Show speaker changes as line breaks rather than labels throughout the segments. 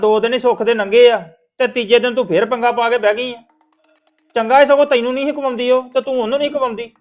2 ਦਿਨ ਹੀ ਸੁੱਖ ਦੇ ਨੰਗੇ ਆ ਤੇ ਤੀਜੇ ਦਿਨ ਤੂੰ ਫੇਰ ਪੰਗਾ ਪਾ ਕੇ ਬਹਿ ਗਈ ਆ। ਚੰਗਾ ਹੀ ਸਗੋਂ ਤੈਨੂੰ ਨਹੀਂ ਕਮਾਉਂਦੀ ਉਹ ਤੇ ਤੂੰ ਉਹਨੂੰ ਨਹੀਂ ਕਮਾਉਂਦੀ।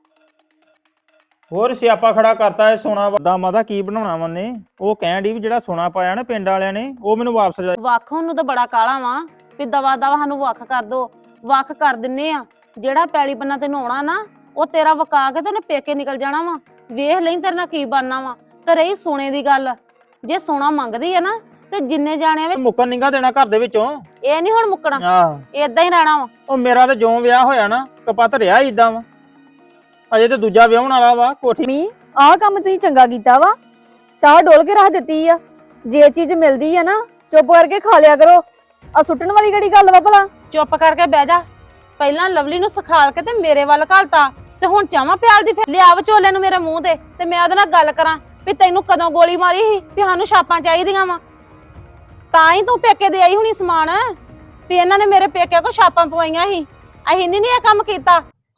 ਹੋਰ ਸਿਆਪਾ ਖੜਾ ਕਰਤਾ ਇਹ ਸੋਨਾ ਦਾ ਮਾਦਾ ਕੀ ਬਣਾਉਣਾ ਮੰਨੇ। ਉਹ ਕਹਿਣ ਦੀ ਵੀ ਜਿਹੜਾ ਸੋਨਾ ਪਾਇਆ ਨਾ ਪਿੰਡ ਵਾਲਿਆਂ ਨੇ ਉਹ ਮੈਨੂੰ ਵਾਪਸ
ਵੱਖ ਉਹਨੂੰ ਤਾਂ ਬੜਾ ਕਾਲਾ ਵਾ ਵੀ ਦਵਾ ਦਵਾ ਸਾਨੂੰ ਵੱਖ ਕਰ ਦੋ। ਵੱਖ ਕਰ ਦਿੰਨੇ ਆ। ਜਿਹੜਾ ਪੈਲੀ ਬੰਨਾ ਤੈਨੂੰ ਆਉਣਾ ਨਾ ਉਹ ਤੇਰਾ ਵਕਾ ਕੇ ਤੇ ਉਹਨੇ ਪੇਕੇ ਨਿਕਲ ਜਾਣਾ ਵਾ। ਵੇਖ ਲਈ ਤੇਰੇ ਨਾਲ ਕੀ ਬਣਨਾ ਵਾ। ਤੇ ਰਹੀ ਸੋਨੇ ਦੀ ਗੱਲ, ਜੇ ਸੋਨਾ ਮੰਗਦੀ ਆ ਨਾ ਤੇ ਜਿੰਨੇ ਜਾਣੇ ਵੇ
ਮੁੱਕਣ ਨਿੰਗਾ ਦੇਣਾ ਘਰ ਦੇ ਵਿੱਚੋਂ।
ਇਹ ਨਹੀਂ ਹੁਣ ਮੁੱਕਣਾ,
ਆਹ
ਏਦਾਂ ਹੀ ਰਹਿਣਾ ਵਾ।
ਉਹ ਮੇਰਾ ਤੇ ਜਿਉਂ ਵਿਆਹ ਹੋਇਆ ਨਾ ਕਪੱਤ ਰਿਹਾ ਇਦਾਂ ਵਾ। ਅਜੇ ਤੇ ਦੂਜਾ ਵਿਆਹਣ ਵਾਲਾ ਵਾ ਕੋਠੀ।
ਮੀ ਆਹ ਕੰਮ ਤੁਸੀਂ ਚੰਗਾ ਕੀਤਾ ਵਾ। ਚਾਹ ਡੋਲ ਕੇ ਰੱਖ ਦਿੱਤੀ ਆ। ਜੇ ਚੀਜ਼ ਮਿਲਦੀ ਆ ਨਾ ਚੁੱਪ ਕਰਕੇ ਖਾ ਲਿਆ ਕਰੋ। ਆ ਸੁੱਟਣ ਵਾਲੀ ਕਿਹੜੀ ਗੱਲ ਵਾ ਭਲਾ।
ਚੁੱਪ ਕਰਕੇ ਬਹਿ ਜਾ। ਪਹਿਲਾਂ ਲਵਲੀ ਨੂੰ ਸਿਖਾਲ ਕੇ ਤੇ ਮੇਰੇ ਵੱਲ ਘਾਲਤਾ ਤੇ ਹੁਣ ਚਾਵਾਂ ਪਿਆਲ ਦੀ ਫਿਰ ਲਿਆ ਵਿਚੋਲੇ ਨੂੰ ਮੇਰੇ ਮੂੰਹ ਤੇ ਮੈਂ ਉਹਦੇ ਨਾਲ ਗੱਲ ਕਰਾਂ ਵੀ ਤੈਨੂੰ ਕਦੋਂ ਗੋਲੀ ਮਾਰੀ ਸੀ ਵੀ ਸਾਨੂੰ ਛਾਪਾਂ ਚਾਹੀਦੀਆਂ ਵਾ। ਤਾਂ ਹੀ ਤੂੰ ਪੇਕੇ ਦੇ ਆਈ ਹੁਣੀ ਸਮਾਨ ਵੀ ਇਹਨਾਂ ਨੇ ਮੇਰੇ ਪੇਕੇ ਕੋ ਛਾਪਾਂ ਪਵਾਈਆਂ ਸੀ। ਅਸੀਂ ਨਹੀਂ ਇਹ ਕੰਮ ਕੀਤਾ।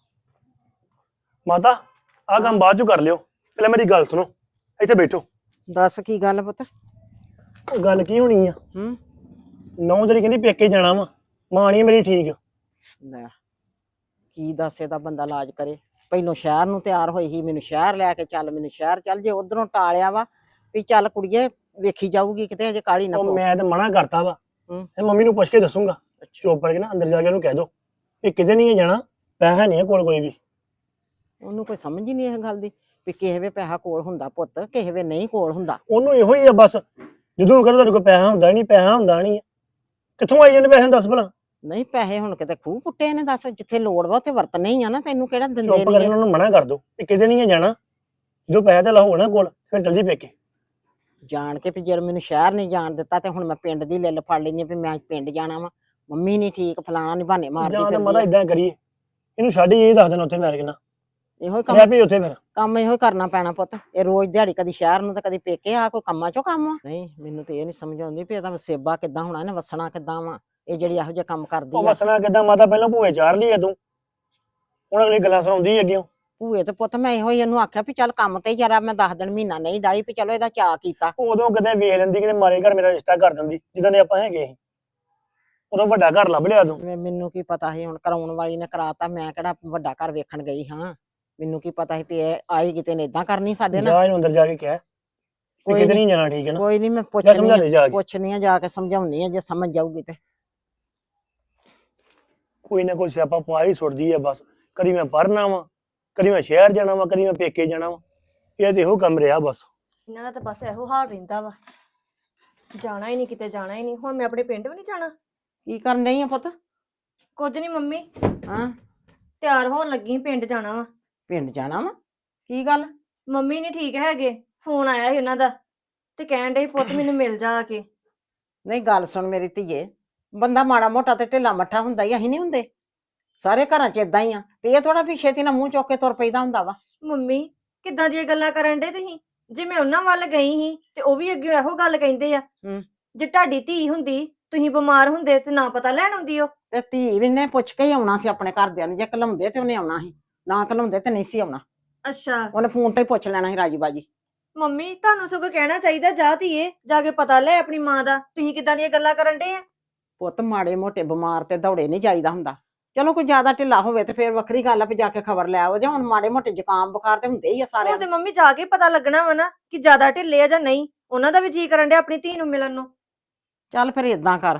ਮਾਤਾ ਆਹ ਕੰਮ ਬਾਅਦ ਚ ਕਰ ਲਿਓ, ਪਹਿਲਾਂ ਮੇਰੀ ਗੱਲ ਸੁਣੋ। ਇੱਥੇ ਬੈਠੋ।
ਦੱਸ ਕੀ ਗੱਲ ਪੁੱਤ।
ਉਹ ਗੱਲ ਕੀ ਹੋਣੀ ਆ? 9 ਤਰੀਕ ਕਹਿੰਦੀ ਪੇਕੇ ਜਾਣਾ ਵਾ। ਮਾਂ ਨੀ ਮੇਰੀ ਠੀਕ।
ਲੈ ਕੀ ਦੱਸ ਇਹਦਾ ਬੰਦਾ ਇਲਾਜ ਕਰੇ। ਪਹਿਲੋਂ ਸ਼ਹਿਰ ਨੂੰ ਤਿਆਰ ਹੋਈ ਸੀ, ਮੈਨੂੰ ਸ਼ਹਿਰ ਲੈ ਕੇ ਚੱਲ, ਮੈਨੂੰ ਸ਼ਹਿਰ ਚੱਲ। ਜੇ ਉਧਰੋਂ ਟਾਲਿਆ ਵਾ ਵੀ ਚੱਲ ਕੁੜੀਏ ਵੇਖੀ ਜਾਊਗੀ ਕਿਤੇ, ਅਜੇ ਕਾਲੀ ਨਾ
ਉਹ
ਪੋ।
ਮੈਂ ਤਾਂ ਮਨਾ ਕਰਤਾ ਵਾ। ਇਹ ਮੰਮੀ ਨੂੰ ਪੁੱਛ ਕੇ ਦੱਸੂਗਾ। ਚੁੱਪ ਕਰਕੇ ਨਾ ਅੰਦਰ ਜਾ ਕੇ ਉਹਨੂੰ ਕਹਿ ਦੋ ਵੀ ਕਿਤੇ ਨਹੀਂ ਜਾਣਾ, ਪੈਸਾ ਨਹੀਂ ਹੈ ਕੋਲ ਕੋਈ ਵੀ।
ਉਹਨੂੰ ਕੋਈ ਸਮਝ ਹੀ ਨਹੀਂ ਇਹ ਗੱਲ ਦੀ ਵੀ ਕਿਸੇ ਵੇ ਪੈਸਾ ਕੋਲ ਹੁੰਦਾ ਪੁੱਤ, ਕਿਸੇ ਵੇ ਨਹੀਂ ਕੋਲ ਹੁੰਦਾ।
ਉਹਨੂੰ ਇਹੋ ਹੀ ਆ ਬਸ। ਜਦੋਂ ਕਹਿੰਦਾ ਤੁਹਾਡੇ ਕੋਲ ਪੈਸਾ ਹੁੰਦਾ ਨਹੀਂ, ਪੈਸਾ ਹੁੰਦਾ ਨਹੀਂ। ਕਿੱਥੋਂ ਆਈ ਜਾਂਦੇ ਪੈਸੇ ਦੱਸ ਭਲਾ।
ਨਹੀਂ ਪੈਸੇ ਹੁਣ ਕਿਤੇ ਖੂਹ ਪੁੱਟੇ ਨੇ। ਦੱਸ ਜਿੱਥੇ ਲੋੜ ਵਾ ਉੱਥੇ ਵਰਤਣੇ ਹੀ ਆ ਨਾ। ਤੈਨੂੰ ਕਿਹੜਾ ਦਿੰਦੇ
ਚੁੱਪ ਕਰਕੇ
ਨਹੀਂ।
ਉਹਨੂੰ ਮਨਾ ਕਰ ਦੋ ਵੀ ਕਿਤੇ ਨਹੀਂ ਜਾਣਾ। ਜਦੋਂ ਪੈਸਾ ਤੇ ਲਾਹੋ ਨਾ ਕੋਲ ਫਿਰ ਜਲਦੀ ਪੇਕੇ
ਜਾਣ ਕੇ ਵੀ ਜੇ ਮੈਨੂੰ ਸ਼ਹਿਰ ਨਹੀਂ ਜਾਣ ਦਿੱਤਾ ਤੇ ਹੁਣ ਮੈਂ ਪਿੰਡ ਦੀ ਲਿੱਲ ਫੜ ਲੈਣੀ ਵੀ ਮੈਂ ਪਿੰਡ ਜਾਣਾ ਵਾ। ਮੰਮੀ ਨਹੀਂ ਠੀਕ, ਫਲਾਣਾ ਨੀ ਬਹਾਨੇ ਮਾਰਦੀ
ਜਾਂ ਤਾਂ
ਫਿਰਦੀ
ਮਾਤਾ
ਆ।
ਇਦਾਂ ਕਰੀਏ, ਇਹਨੂੰ ਛੱਡ ਹੀ ਇਹ ਦੱਸ ਦੇਣਾ ਉੱਥੇ ਮੈਂ ਕਿਹਾ
ਇਹੋ ਹੀ
ਮੈਂ ਵੀ ਉੱਥੇ ਫਿਰ
ਕੰਮ ਇਹੋ ਹੀ ਕਰਨਾ ਪੈਣਾ ਪੁੱਤ। ਇਹ ਰੋਜ਼ ਦਿਹਾੜੀ ਕਦੀ ਸ਼ਹਿਰ ਨੂੰ ਤੇ ਕਦੀ ਪੇਕੇ ਆ। ਕੋਈ ਕੰਮਾਂ ਚੋਂ ਕੰਮ ਆ। ਨਹੀਂ ਮੈਨੂੰ ਤੇ ਇਹ ਨਹੀਂ ਸਮਝ ਆਉਂਦੀ ਵੀ ਇਹਦਾ ਵਸੇਬਾ ਕਿੱਦਾਂ ਹੋਣਾ, ਇਹਨੇ ਵਸਣਾ ਕਿੱਦਾਂ ਵਾ। ਇਹ ਜਿਹੜੀ ਇਹੋ ਜਿਹੇ ਕੰਮ ਕਰਦੀ
ਉਹ
ਆ।
ਵਸਣਾ ਕਿੱਦਾਂ ਮਾਤਾ, ਪਹਿਲਾਂ ਭੂਏ ਚਾੜ ਲਈ ਆ ਤੂੰ, ਹੁਣ ਅਗਲੀ ਗੱਲਾਂ ਸੁਣਾਉਂਦੀ ਅੱਗੇ।
ਭੂਏ ਤੇ ਪੁੱਤ ਮੈਂ ਇਹੋ ਹੀ ਇਹਨੂੰ ਆਖਿਆ ਵੀ ਚੱਲ ਕੰਮ ਤੇ ਜਰਾ ਮੈਂ 10 ਦਿਨ ਮਹੀਨਾ ਨਹੀਂ ਡਾਈ ਵੀ ਚਲੋ ਇਹਦਾ ਚਾਅ ਕੀਤਾ।
ਉਦੋਂ ਕਿਤੇ ਵੇਖ ਲੈਂਦੀ ਕਿਤੇ ਮਾਰੇ ਘਰ ਮੇਰਾ ਰਿਸ਼ਤਾ ਕਰ ਦਿੰਦੀ ਜਿੱਦਾਂ ਦੇ ਆਪਾਂ ਹੈਗੇ ਸੀ। ਉਦੋਂ ਵੱਡਾ ਘਰ ਲੱਭ ਲਿਆ ਤੂੰ।
ਮੈਨੂੰ ਕੀ ਪਤਾ ਸੀ ਹੁਣ ਕਰਾਉਣ ਵਾਲੀ ਨੇ ਕਰਾਤਾ। ਮੈਂ ਕਿਹੜਾ ਵੱਡਾ ਘਰ ਵੇਖਣ ਗਈ ਹਾਂ। ਮੈਨੂੰ ਕੀ ਪਤਾ ਸੀ ਵੀ ਇਹ ਆਈ ਕਿਤੇ ਨੇ ਏਦਾਂ ਕਰਨੀ ਸਾਡੇ ਨਾਲ।
ਜਾ ਇਹਨੂੰ ਅੰਦਰ ਜਾ ਕੇ ਕਹਿ ਵੀ
ਕੋਈ
ਕਿਤੇ
ਨੀ,
ਨਹੀਂ ਜਾਣਾ, ਠੀਕ ਹੈ ਨਾ।
ਕੋਈ ਨਹੀਂ ਮੈਂ
ਜਾਂ ਸਮਝਾ ਦੇ ਜਾ ਕੇ।
ਪੁੱਛਣੀ ਆ ਜਾ ਕੇ, ਸਮਝਾਉਣੀ ਆ ਜੇ ਸਮਝ ਜਾਊਗੀ ਤੇ।
ਕੋਈ ਨਾ ਕੋਈ ਸਿਆਪਾ ਪਾ ਹੀ ਸੁੱਟਦੀ ਆ ਬਸ। ਕਦੀ ਮੈਂ ਪੜ੍ਹਨਾ ਵਾ, ਕਦੀ ਮੈਂ ਸ਼ਹਿਰ ਜਾਣਾ ਵਾ, ਕਦੀ ਮੈਂ ਪੇਕੇ ਜਾਣਾ ਵਾ। ਇਹ ਤੇ ਇਹੋ ਕੰਮ ਰਿਹਾ ਬਸ।
ਇਹਨਾਂ ਦਾ ਤਾਂ ਬਸ ਇਹੋ ਹਾਲ ਰਹਿੰਦਾ ਵਾ। ਜਾਣਾ ਹੀ ਨਹੀਂ, ਕਿਤੇ ਜਾਣਾ ਹੀ ਨਹੀਂ। ਹੁਣ ਮੈਂ ਆਪਣੇ ਪਿੰਡ ਵੀ ਨਹੀਂ ਜਾਣਾ।
ਕੀ ਕਰਨ ਡਈ ਆ ਪੁੱਤ?
ਕੁਝ ਨਹੀਂ ਮੰਮੀ,
ਹਾਂ
ਤਿਆਰ ਹੋਣ ਲੱਗੀ ਪਿੰਡ ਜਾਣਾ ਵਾ।
ਪਿੰਡ ਜਾਣਾ ਵਾ? ਕੀ ਗੱਲ?
ਮੰਮੀ ਨਹੀਂ ਠੀਕ ਹੈਗੇ। ਫੋਨ ਆਇਆ ਸੀ ਉਹਨਾਂ ਦਾ ਤੇ ਕਹਿਣ ਡੇ ਪੁੱਤ ਮੈਨੂੰ ਮਿਲ ਜਾ ਆ ਕੇ।
ਨਹੀਂ ਗੱਲ ਸੁਣ ਮੇਰੀ ਧੀਏ, ਬੰਦਾ ਮਾੜਾ ਮੋਟਾ ਤੇ ਢਿੱਲਾ ਮੱਠਾ ਹੁੰਦਾ ਹੀ, ਅਸੀਂ ਨਹੀਂ ਹੁੰਦੇ? ਸਾਰੇ ਘਰਾਂ 'ਚ ਏਦਾਂ ਹੀ ਆ। ਤੇ ਇਹ ਥੋੜਾ ਵੀ ਛੇਤੀ ਨਾਲ ਮੂੰਹ ਚੁੱਕ ਕੇ ਤੁਰ ਪਈਦਾ ਹੁੰਦਾ ਵਾ।
ਮੰਮੀ ਕਿੱਦਾਂ ਦੀਆਂ ਗੱਲਾਂ ਕਰਨ ਡੇ ਤੁਸੀਂ? ਜੇ ਮੈਂ ਉਹਨਾਂ ਵੱਲ ਗਈ ਸੀ ਤੇ ਉਹ ਵੀ ਅੱਗੇ ਇਹੋ ਗੱਲ ਕਹਿੰਦੇ ਆ। ਜੇ ਤੁਹਾਡੀ ਧੀ ਹੁੰਦੀ, ਤੁਸੀਂ ਬਿਮਾਰ ਹੁੰਦੇ ਤੇ ਨਾ ਪਤਾ ਲੈਣ ਆਉਂਦੀ ਉਹ।
ਤੇ ਧੀ ਵੀ ਨੇ ਪੁੱਛ ਕੇ ਹੀ ਆਉਣਾ ਸੀ ਆਪਣੇ ਘਰਦਿਆਂ ਨੂੰ। ਜੇ ਘਲਾਉਂਦੇ ਤੇ ਉਹਨੇ ਆਉਣਾ ਸੀ, ਨਾ ਘਲਾਉਂਦੇ ਤੇ ਨਹੀਂ ਸੀ ਆਉਣਾ।
ਅੱਛਾ
ਉਹਨੇ ਫੋਨ ਤੇ ਹੀ ਪੁੱਛ ਲੈਣਾ ਸੀ ਰਾਜੀ ਬਾਜੀ।
ਮੰਮੀ ਤੁਹਾਨੂੰ ਸਗੋਂ ਕਹਿਣਾ ਚਾਹੀਦਾ, ਜਾ ਧੀਏ ਜਾ ਕੇ ਪਤਾ ਲੈ ਆਪਣੀ ਮਾਂ ਦਾ। ਤੁਸੀਂ ਕਿੱਦਾਂ ਦੀਆਂ ਗੱਲਾਂ ਕਰਨ ਡੇ ਆ?
ਪੁੱਤ ਮਾੜੇ ਮੋਟੇ ਬਿਮਾਰ ਤੇ ਦੌੜੇ ਨਹੀਂ ਜਾਈਦਾ ਹੁੰਦਾ। ਚਲੋ ਕੋਈ ਜ਼ਿਆਦਾ ਢਿੱਲਾ ਹੋਵੇ ਤੇ ਫਿਰ ਵੱਖਰੀ ਗੱਲ ਆ ਵੀ ਜਾ ਕੇ ਖਬਰ ਲੈ ਆਓ। ਜੇ ਹੁਣ ਮਾੜੇ ਮੋਟੇ ਜ਼ੁਕਾਮ ਬੁਖਾਰ ਤੇ ਹੁੰਦੇ ਹੀ ਆ ਸਾਰਿਆਂ
ਉਹ ਤੇ
ਨੂੰ।
ਮੰਮੀ ਜਾ ਕੇ ਪਤਾ ਲੱਗਣਾ ਵਾ ਨਾ ਕਿ ਜ਼ਿਆਦਾ ਢਿੱਲੇ ਆ ਜਾਂ ਨਹੀਂ। ਉਹਨਾਂ ਦਾ ਵੀ ਜੀ ਕਰਨ ਡਿਆ ਆਪਣੀ ਧੀ ਨੂੰ ਮਿਲਣ ਨੂੰ।
ਚੱਲ ਫਿਰ ਏਦਾਂ ਕਰ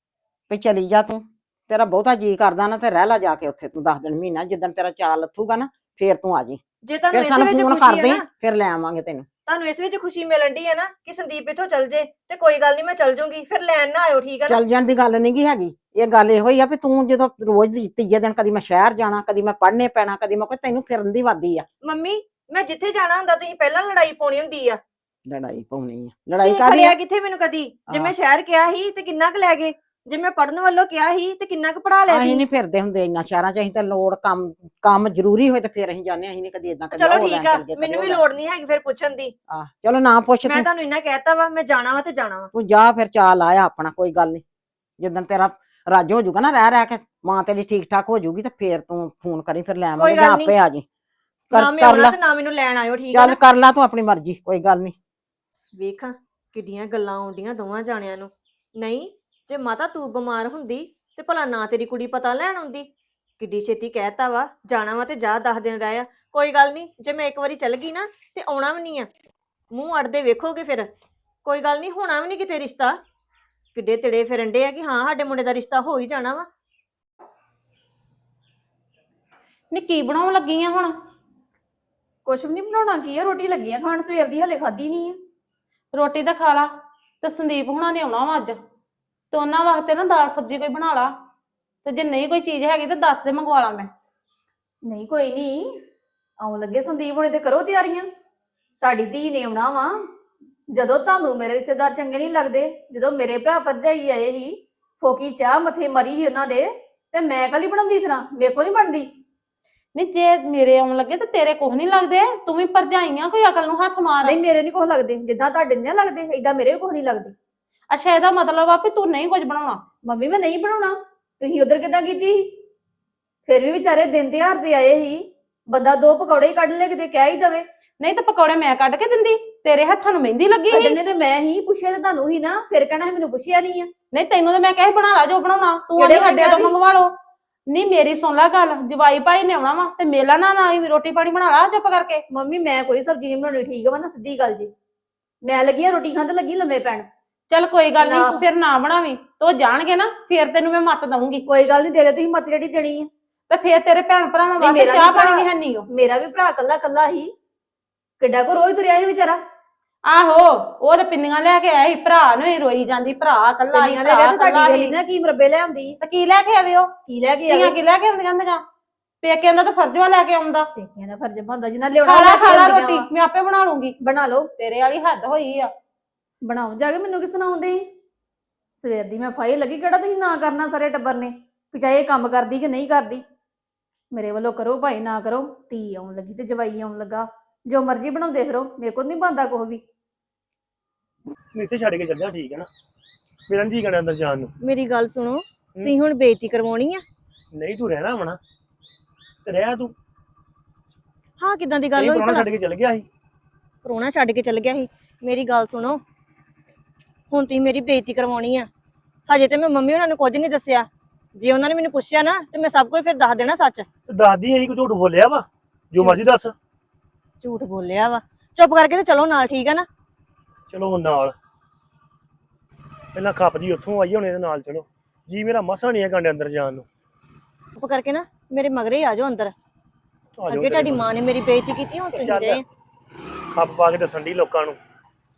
ਵੀ ਚਲੀ ਜਾ ਤੂੰ। ਤੇਰਾ ਬਹੁਤਾ ਜੀ ਕਰਦਾ ਨਾ ਤੇ ਰਹਿ ਲਾ ਜਾ ਕੇ ਉੱਥੇ ਤੂੰ 10 ਦਿਨ ਮਹੀਨਾ। ਜਿੱਦਣ ਤੇਰਾ ਚਾਲ ਲੱਥੂਗਾ ਨਾ ਫੇਰ ਤੂੰ ਆ ਜੀ।
ਜੇ ਤੁਹਾਨੂੰ
ਫਿਰ
ਇਸ
ਸਾਨੂੰ
ਵਿੱਚ
ਫੋਨ
ਖੁਸ਼ੀ
ਕਰ
ਹੈ
ਦੇ,
ਨਾ,
ਫਿਰ ਲੈ ਆਵਾਂਗੇ ਤੈਨੂੰ।
ਤੁਹਾਨੂੰ ਇਸ ਵਿੱਚ ਖੁਸ਼ੀ ਮਿਲਣ ਡਈ ਹੈ ਨਾ ਕਿ ਸੰਦੀਪ ਇੱਥੋਂ ਚੱਲ ਜੇ, ਤੇ ਕੋਈ ਗੱਲ ਨਹੀਂ ਮੈਂ ਚੱਲ ਜੂੰਗੀ। ਫਿਰ ਲੈਣ ਨਾ ਆਇਓ, ਠੀਕ ਹੈ ਨਾ?
ਚੱਲ ਜਾਣ ਦੀ ਗੱਲ ਨਹੀਂ ਗੀ ਹੈਗੀ। ਇਹ ਗੱਲ ਇਹੋ ਹੀ ਆ ਵੀ ਤੂੰ ਜਦੋਂ ਰੋਜ਼ ਦੀ ਤੀਜੇ ਦਿਨ ਕਦੀ ਮੈਂ ਸ਼ਹਿਰ ਜਾਣਾ, ਕਦੀ ਮੈਂ ਪੜ੍ਹਨੇ ਪੈਣਾ, ਕਦੀ ਮੈਂ ਕੋਈ ਤੈਨੂੰ ਫਿਰਨ ਦੀ ਵਾਦੀ ਆ।
ਮੰਮੀ ਮੈਂ ਜਿੱਥੇ ਜਾਣਾ ਹੁੰਦਾ ਤੁਸੀਂ ਪਹਿਲਾਂ ਲੜਾਈ ਪਾਉਣੀ ਹੁੰਦੀ ਆ।
ਲੜਾਈ ਪਾਉਣੀ ਆ? ਲੜਾਈ
ਤੁਸੀਂ
ਕਾਹਦੀ
ਖੜਿਆ
ਆ?
ਕਿੱਥੇ ਮੈਨੂੰ ਕਦੀ? ਜੇ
ਹਾਂ।
ਮੈਂ ਸ਼ਹਿਰ ਕਿਹਾ ਸੀ ਤੇ ਕਿੰਨਾ ਕੁ ਲੈ ਗਏ? ਜੇ ਮੈਂ ਪੜਨ ਵੱਲੋਂ ਕਿਹਾ ਸੀ ਤੇ ਕਿੰਨਾ ਕੁ ਪੜਾ ਲਿਆ
ਅਸੀਂ
ਸੀ?
ਨਹੀਂ ਫਿਰਦੇ ਹੁੰਦੇ ਇੰਨਾ ਸ਼ਹਿਰਾਂ 'ਚ। ਅਸੀਂ ਤਾਂ ਲੋੜ ਕੰਮ ਜ਼ਰੂਰੀ ਹੋਏ ਤੇ ਫਿਰ ਅਸੀਂ ਜਾਂਦੇ ਹਾਂ। ਅਸੀਂ ਨਹੀਂ ਕਦੀ ਏਦਾਂ
ਚਲੋ ਠੀਕ ਆ, ਮੈਨੂੰ ਵੀ ਲੋੜ ਨਹੀਂ ਹੈਗੀ ਫਿਰ ਪੁੱਛਣ ਦੀ।
ਚਲੋ ਨਾ ਪੁੱਛ
ਮੈਂ
ਤੂੰ।
ਤੁਹਾਨੂੰ ਇੰਨਾ ਕਹਿਤਾ ਵਾ, ਮੈਂ ਜਾਣਾ ਵਾ ਤੇ ਜਾਣਾ ਵਾ।
ਤੂੰ ਜਾ ਫਿਰ ਚਾਲ ਆਇਆ ਆਪਣਾ, ਕੋਈ ਗੱਲ ਨਹੀਂ। ਜਿੱਦਣ ਤੇਰਾ ਰੱਜ ਹੋ ਜਾਊਗਾ ਨਾ ਰਹਿ ਰਹਿ ਕੇ, ਮਾਂ ਤੇਰੀ ਠੀਕ ਠਾਕ ਹੋ ਜਾਊਗੀ ਤੇ ਫਿਰ ਤੂੰ ਫੋਨ ਕਰੀ, ਫਿਰ ਲੈ ਆਵਾਂਗੇ।
ਕੋਈ
ਜਾਂ
ਗੱਲ ਨੀ।
ਆਪੇ ਆ ਜੀ।
ਨਾ ਮੈਂ
ਕਰ
ਆਉਣਾ
ਲਾ,
ਤੇ ਨਾ ਮੈਨੂੰ ਲੈਣ ਆਇਓ, ਠੀਕ ਹੈ
ਚੱਲ
ਨਾ?
ਕਰ ਲਾ ਤੂੰ ਆਪਣੀ ਮਰਜ਼ੀ, ਕੋਈ ਗੱਲ ਨਹੀਂ।
ਵੇਖਾਂ ਕਿੱਡੀਆਂ ਗੱਲਾਂ ਆਉਂਦੀਆਂ ਦੋਵਾਂ ਜਾਣਿਆਂ ਨੂੰ। ਨਹੀਂ, ਜੇ ਮਾਤਾ ਤੂੰ ਬਿਮਾਰ ਹੁੰਦੀ ਤੇ ਭਲਾ ਨਾ ਤੇਰੀ ਕੁੜੀ ਪਤਾ ਲੈਣ ਆਉਂਦੀ। ਕਿੱਡੀ ਛੇਤੀ ਕਹਿਤਾ ਵਾ ਜਾਣਾ ਵਾ ਤੇ ਜਾ 10 ਦਿਨ ਰਹਿ ਆ। ਕੋਈ ਗੱਲ ਨਹੀਂ, ਜੇ ਮੈਂ ਇੱਕ ਵਾਰੀ ਚੱਲ ਗਈ ਨਾ ਤੇ ਆਉਣਾ ਵੀ ਨਹੀਂ ਆ। ਮੂੰਹ ਅੜਦੇ ਵੇਖੋਗੇ ਫਿਰ। ਕੋਈ ਗੱਲ ਨਹੀਂ, ਹੋਣਾ ਵੀ ਨਹੀਂ ਕਿਤੇ ਰਿਸ਼ਤਾ। ਕਿੱਡੇ ਤਿੜੇ ਫਿਰਨ ਡੇ ਆ ਕਿ ਹਾਂ ਸਾਡੇ ਮੁੰਡੇ ਦਾ ਰਿਸ਼ਤਾ ਹੋ ਹੀ ਜਾਣਾ ਵਾ।
ਨੀ ਕੀ ਬਣਾਉਣ ਲੱਗੀ ਆ ਹੁਣ?
ਕੁਛ ਵੀ ਨਹੀਂ ਬਣਾਉਣਾ, ਕੀ ਆ, ਰੋਟੀ ਲੱਗੀ ਆ ਖਾਣ, ਸਵੇਰ ਦੀ ਹਲੇ ਖਾਧੀ ਨਹੀਂ ਆ।
ਰੋਟੀ ਤਾਂ ਖਾ ਲਾ। ਤੇ ਸੰਦੀਪ ਹੁਣਾਂ ਨੇ ਆਉਣਾ ਵਾ ਅੱਜ, ਤੇ ਉਹਨਾਂ ਵਾਸਤੇ ਨਾ ਦਾਲ ਸਬਜ਼ੀ ਕੋਈ ਬਣਾ ਲਾ। ਤੇ ਜੇ ਨਹੀਂ ਕੋਈ ਚੀਜ਼ ਹੈਗੀ ਤਾਂ ਦੱਸ ਦੇ, ਮੰਗਵਾ ਲਾ ਮੈਂ।
ਨਹੀਂ ਕੋਈ ਨਹੀਂ, ਆਉਣ ਲੱਗੇ ਸੰਦੀਪ ਹੁਣੇ, ਤੇ ਕਰੋ ਤਿਆਰੀਆਂ। ਤੁਹਾਡੀ ਧੀ ਨੇ ਆਉਣਾ ਵਾ। ਜਦੋਂ ਤੁਹਾਨੂੰ ਮੇਰੇ ਰਿਸ਼ਤੇਦਾਰ ਚੰਗੇ ਨਹੀਂ ਲੱਗਦੇ, ਜਦੋਂ ਮੇਰੇ ਭਰਾ ਭਰਜਾਈ ਆਏ ਸੀ, ਫੋਕੀ ਚਾਹ ਮੱਥੇ ਮਰੀ ਸੀ ਉਹਨਾਂ ਦੇ, ਤੇ ਮੈਂ ਕੱਲੀ ਬਣਾਉਂਦੀ ਫਿਰਾਂ? ਮੇਰੇ ਕੋਲ ਨਹੀਂ ਬਣਦੀ।
ਨਹੀਂ ਜੇ ਮੇਰੇ ਆਉਣ ਲੱਗੇ ਤਾਂ ਤੇਰੇ ਕੁਛ ਨਹੀਂ ਲੱਗਦੇ? ਤੂੰ ਵੀ ਭਰਜਾਈਆਂ, ਕੋਈ ਅਕਲ ਨੂੰ ਹੱਥ ਮਾਰ।
ਨਹੀਂ ਮੇਰੇ ਨਹੀਂ ਕੁਛ ਲੱਗਦੇ, ਜਿੱਦਾਂ ਤੁਹਾਡੇ ਨਹੀਂ ਲੱਗਦੇ ਏਦਾਂ ਮੇਰੇ ਵੀ ਕੁਛ ਨਹੀਂ ਲੱਗਦੇ।
ਅੱਛਾ, ਇਹਦਾ ਮਤਲਬ ਆ ਵੀ ਤੂੰ ਨਹੀਂ ਕੁਝ ਬਣਾਉਣਾ।
ਮੰਮੀ ਮੈਂ ਨਹੀਂ ਬਣਾਉਣਾ। ਤੁਸੀਂ ਉਧਰ ਕਿੱਦਾਂ ਕੀਤੀ ਸੀ? ਫਿਰ ਵੀ ਵਿਚਾਰੇ ਦਿਨ ਤਿਉਹਾਰ ਦੇ ਆਏ ਸੀ, ਬੰਦਾ ਦੋ ਪਕੌੜੇ ਹੀ ਕੱਢ ਲੈ, ਕਿਤੇ ਕਹਿ ਹੀ ਦਵੇ।
ਨਹੀਂ ਤਾਂ ਪਕੌੜੇ ਮੈਂ ਕੱਢ ਕੇ ਦਿੰਦੀ, ਤੇਰੇ ਹੱਥਾਂ ਨੂੰ ਮਹਿੰਦੀ ਲੱਗੀ ਸੀ।
ਕੱਢਣੇ ਤੇ ਮੈਂ ਹੀ ਪੁੱਛਿਆ, ਤੇ ਤੁਹਾਨੂੰ ਹੀ ਨਾ, ਫਿਰ ਕਹਿਣਾ ਸੀ ਮੈਨੂੰ ਪੁੱਛਿਆ ਨਹੀਂ ਆ।
ਨਹੀਂ ਤੈਨੂੰ ਤਾਂ ਮੈਂ ਕਿਹਾ ਸੀ ਬਣਾ ਲਾ ਜੋ ਬਣਾਉਣਾ, ਤੂੰ
ਕਿਹੜੇ
ਆਂਦੀ ਸਾਡੇ
ਵੇਲੇ
ਤੋਂ
ਦੀ?
ਮੰਗਵਾ ਲਓ। ਨਹੀਂ ਮੇਰੀ ਸੁਣ ਲੈ ਗੱਲ, ਜਵਾਈ ਭਾਈ ਨੇ ਆਉਣਾ ਵਾ ਤੇ ਮੇਲਾ ਨਾ ਨਾ ਆਈ, ਰੋਟੀ ਪਾਣੀ ਬਣਾ ਲਾ ਚੁੱਪ ਕਰਕੇ।
ਮੰਮੀ ਮੈਂ ਕੋਈ ਸਬਜ਼ੀ ਨਹੀਂ ਬਣਾਉਣੀ, ਠੀਕ ਵਾ ਨਾ, ਸਿੱਧੀ ਗੱਲ ਜੀ। ਮੈਂ ਲੱਗੀ ਆ ਰੋਟੀ ਖਾਣ, ਤੇ ਲੱਗੀ ਲੰਮੇ ਪੈਣ।
ਚੱਲ ਕੋਈ ਗੱਲ
ਨਾ।
ਨਹੀਂ, ਫਿਰ ਨਾ ਬਣਾਵੀਂ, ਤੋ ਜਾਣਗੇ ਨਾ ਫਿਰ ਤੈਨੂੰ ਮੈਂ ਮੱਤ ਦਊਂਗੀ।
ਕੋਈ ਗੱਲ ਨਹੀਂ, ਦੇ ਦਿਓ ਤੁਸੀਂ ਮੱਤ ਜਿਹੜੀ ਦੇਣੀ ਆ।
ਤੇ ਫਿਰ ਤੇਰੇ ਭੈਣ ਭਰਾਵਾਂ ਵਾਸਤੇ
ਮੇਰਾ
ਚਾਹ
ਵੀ
ਪਾਣੀ
ਭਰਾ-
ਵੀ ਹੈ ਨਹੀਂ ਉਹ।
ਮੇਰਾ ਵੀ ਭਰਾ ਕੱਲਾ ਕੱਲਾ ਹੀ, ਕਿੱਡਾ ਕੋ ਰੋਜ਼ ਤੁਰਿਆ ਸੀ ਵਿਚਾਰਾ।
ਆਹੋ, ਉਹ ਤੇ ਪਿੰਨੀਆਂ ਲੈ ਕੇ ਆਇਆ ਸੀ, ਭਰਾ ਨੂੰ ਹੀ ਰੋਈ ਜਾਂਦੀ, ਭਰਾ ਕੱਲਾ ਹੀ,
ਲੈ ਗਿਆ
ਭਰਾ
ਤੇ
ਕੱਲਾ
ਤੁਹਾਡੀ
ਹੀ।
ਗਲੀ ਨਾ ਕੀ ਮਰਬੇ ਲੈ ਆਉਂਦੀ,
ਤੇ ਕੀ ਲੈ ਕੇ ਆਵੇ ਉਹ?
ਕੀ ਲੈ ਕੇ
ਧੀਆਂ
ਆਵੇ?
ਕੀ ਲੈ ਕੇ ਆਉਂਦੀਆਂ ਹੁੰਦੀਆਂ? ਪੇਕਿਆਂ ਦਾ ਤਾਂ ਫਰਜ਼ ਵਾ ਲੈ ਕੇ ਆਉਂਦਾ।
ਪੇਕਿਆਂ ਦਾ ਫਰਜ਼ ਬਣਦਾ, ਜਿੰਨਾ ਲਿਆਉਣਾ
ਖਾ ਲਾ
ਲੈ ਕੇ
ਖਾ ਲਾ
ਆਉਂਦੀਆਂ
ਰੋਟੀ,
ਵਾ।
ਮੈਂ ਆਪੇ ਬਣਾ ਲੂੰਗੀ।
ਬਣਾ ਲਓ।
ਤੇਰੇ ਵਾਲੀ ਹੱਦ ਹੋਈ ਆ।
ਬਣਾਓ ਜਾ ਕੇ, ਮੈਨੂੰ ਕਿਸ ਸੁਣਾਉਂਦੇ? ਸਵੇਰ ਦੀ ਮੈਂ ਫਾਈ ਲੱਗੀ, ਕਿਹੜਾ ਤੁਸੀਂ ਨਾ ਕਰਨਾ ਸਾਰੇ ਟੱਬਰ ਨੇ, ਵੀ ਚਾਹੇ ਇਹ ਕੰਮ ਕਰਦੀ ਕਿ ਨਹੀਂ ਕਰਦੀ। ਮੇਰੇ ਵੱਲੋਂ ਕਰੋ ਭਾਈ, ਨਾ ਕਰੋ। ਧੀ ਆਉਣ ਲੱਗੀ ਤੇ ਜਵਾਈ ਆਉਣ ਲੱਗਾ, ਜੋ ਮਰਜ਼ੀ ਬਣਾਉਂਦੇ ਫਿਰੋ, ਮੇਰੇ ਕੋਲ ਨਹੀਂ ਬਣਦਾ ਕੁਛ ਵੀ।
ਮੈਂ ਇੱਥੇ ਛੱਡ ਕੇ ਚੱਲ ਜਾ, ਠੀਕ ਹੈ ਨਾ? ਮੇਰਾ ਨਹੀਂ ਜੀ ਕਰਦਾ ਅੰਦਰ ਜਾਣ ਨੂੰ।
ਮੇਰੀ ਗੱਲ ਸੁਣੋ, ਤੁਸੀਂ ਹੁਣ ਬੇਇੱਜ਼ਤੀ ਕਰਵਾਉਣੀ ਆ?
ਨਹੀਂ ਤੂੰ ਰਹਿਣਾ ਵਾ ਨਾ, ਤੇ ਰਹਿ ਤੂੰ।
ਹਾਂ, ਕਿਦਾਂ ਦੀ ਗੱਲ
ਨਹੀਂ
ਹੋਈ
ਪ੍ਰਾਹੁਣਾ
ਭਲਾ?
ਛੱਡ ਕੇ ਚੱਲ ਗਿਆ ਸੀ।
ਪ੍ਰਾਹੁਣਾ ਛੱਡ ਕੇ ਚੱਲ ਗਿਆ ਸੀ? ਮੇਰੀ ਗੱਲ ਸੁਣੋ, ਹੁਣ ਤੁਸੀਂ ਮੇਰੀ ਬੇਇੱਜ਼ਤੀ ਕਰਵਾਉਣੀ ਆ। ਹਜੇ ਤੇ ਮੈਂ ਮੰਮੀ ਉਹਨਾਂ ਨੂੰ ਕੁਝ ਨਹੀਂ ਦੱਸਿਆ। ਜੇ ਉਹਨਾਂ ਨੇ ਮੈਨੂੰ ਪੁੱਛਿਆ ਨਾ ਤੇ ਮੈਂ ਸਭ ਕੁਝ ਫਿਰ ਦੱਸ ਦੇਣਾ ਸੱਚ।
ਤੇ ਦੱਸਦੀ ਅਸੀਂ ਕੋਈ ਝੂਠ ਬੋਲਿਆ ਵਾ? ਜੋ ਮਰਜ਼ੀ ਦੱਸ।
ਝੂਠ ਬੋਲਿਆ ਵਾ? ਚੁੱਪ ਕਰਕੇ ਤੇ ਚਲੋ ਨਾਲ, ਠੀਕ ਆ ਨਾ?
ਚਲੋ ਹੁਣ ਨਾਲ, ਪਹਿਲਾਂ ਖੱਪਦੀ ਉੱਥੋਂ ਆਈ, ਹੁਣ ਇਹਦੇ ਨਾਲ ਚਲੋ। ਜੀ ਮੇਰਾ ਮਸਾ ਨਹੀਂ ਹੈ ਕਾਂਡੇ ਅੰਦਰ ਜਾਣ ਨੂੰ।
ਚੁੱਪ ਕਰਕੇ ਨਾ ਮੇਰੇ ਮਗਰੇ ਹੀ ਆ ਜਾਓ ਅੰਦਰ।
ਆ ਜਾਓ
ਅੱਗੇ ਤੁਹਾਡੀ ਮਾਂ ਨੇ ਮੇਰੀ ਬੇਇੱਜ਼ਤੀ ਕੀਤੀ, ਹੁਣ ਤੁਸੀਂ
ਚੱਲ।
ਦੇ।
ਖੱਪ ਪਾ ਕੇ ਦੱਸਣ ਦੀ ਲੋਕਾਂ ਨੂੰ।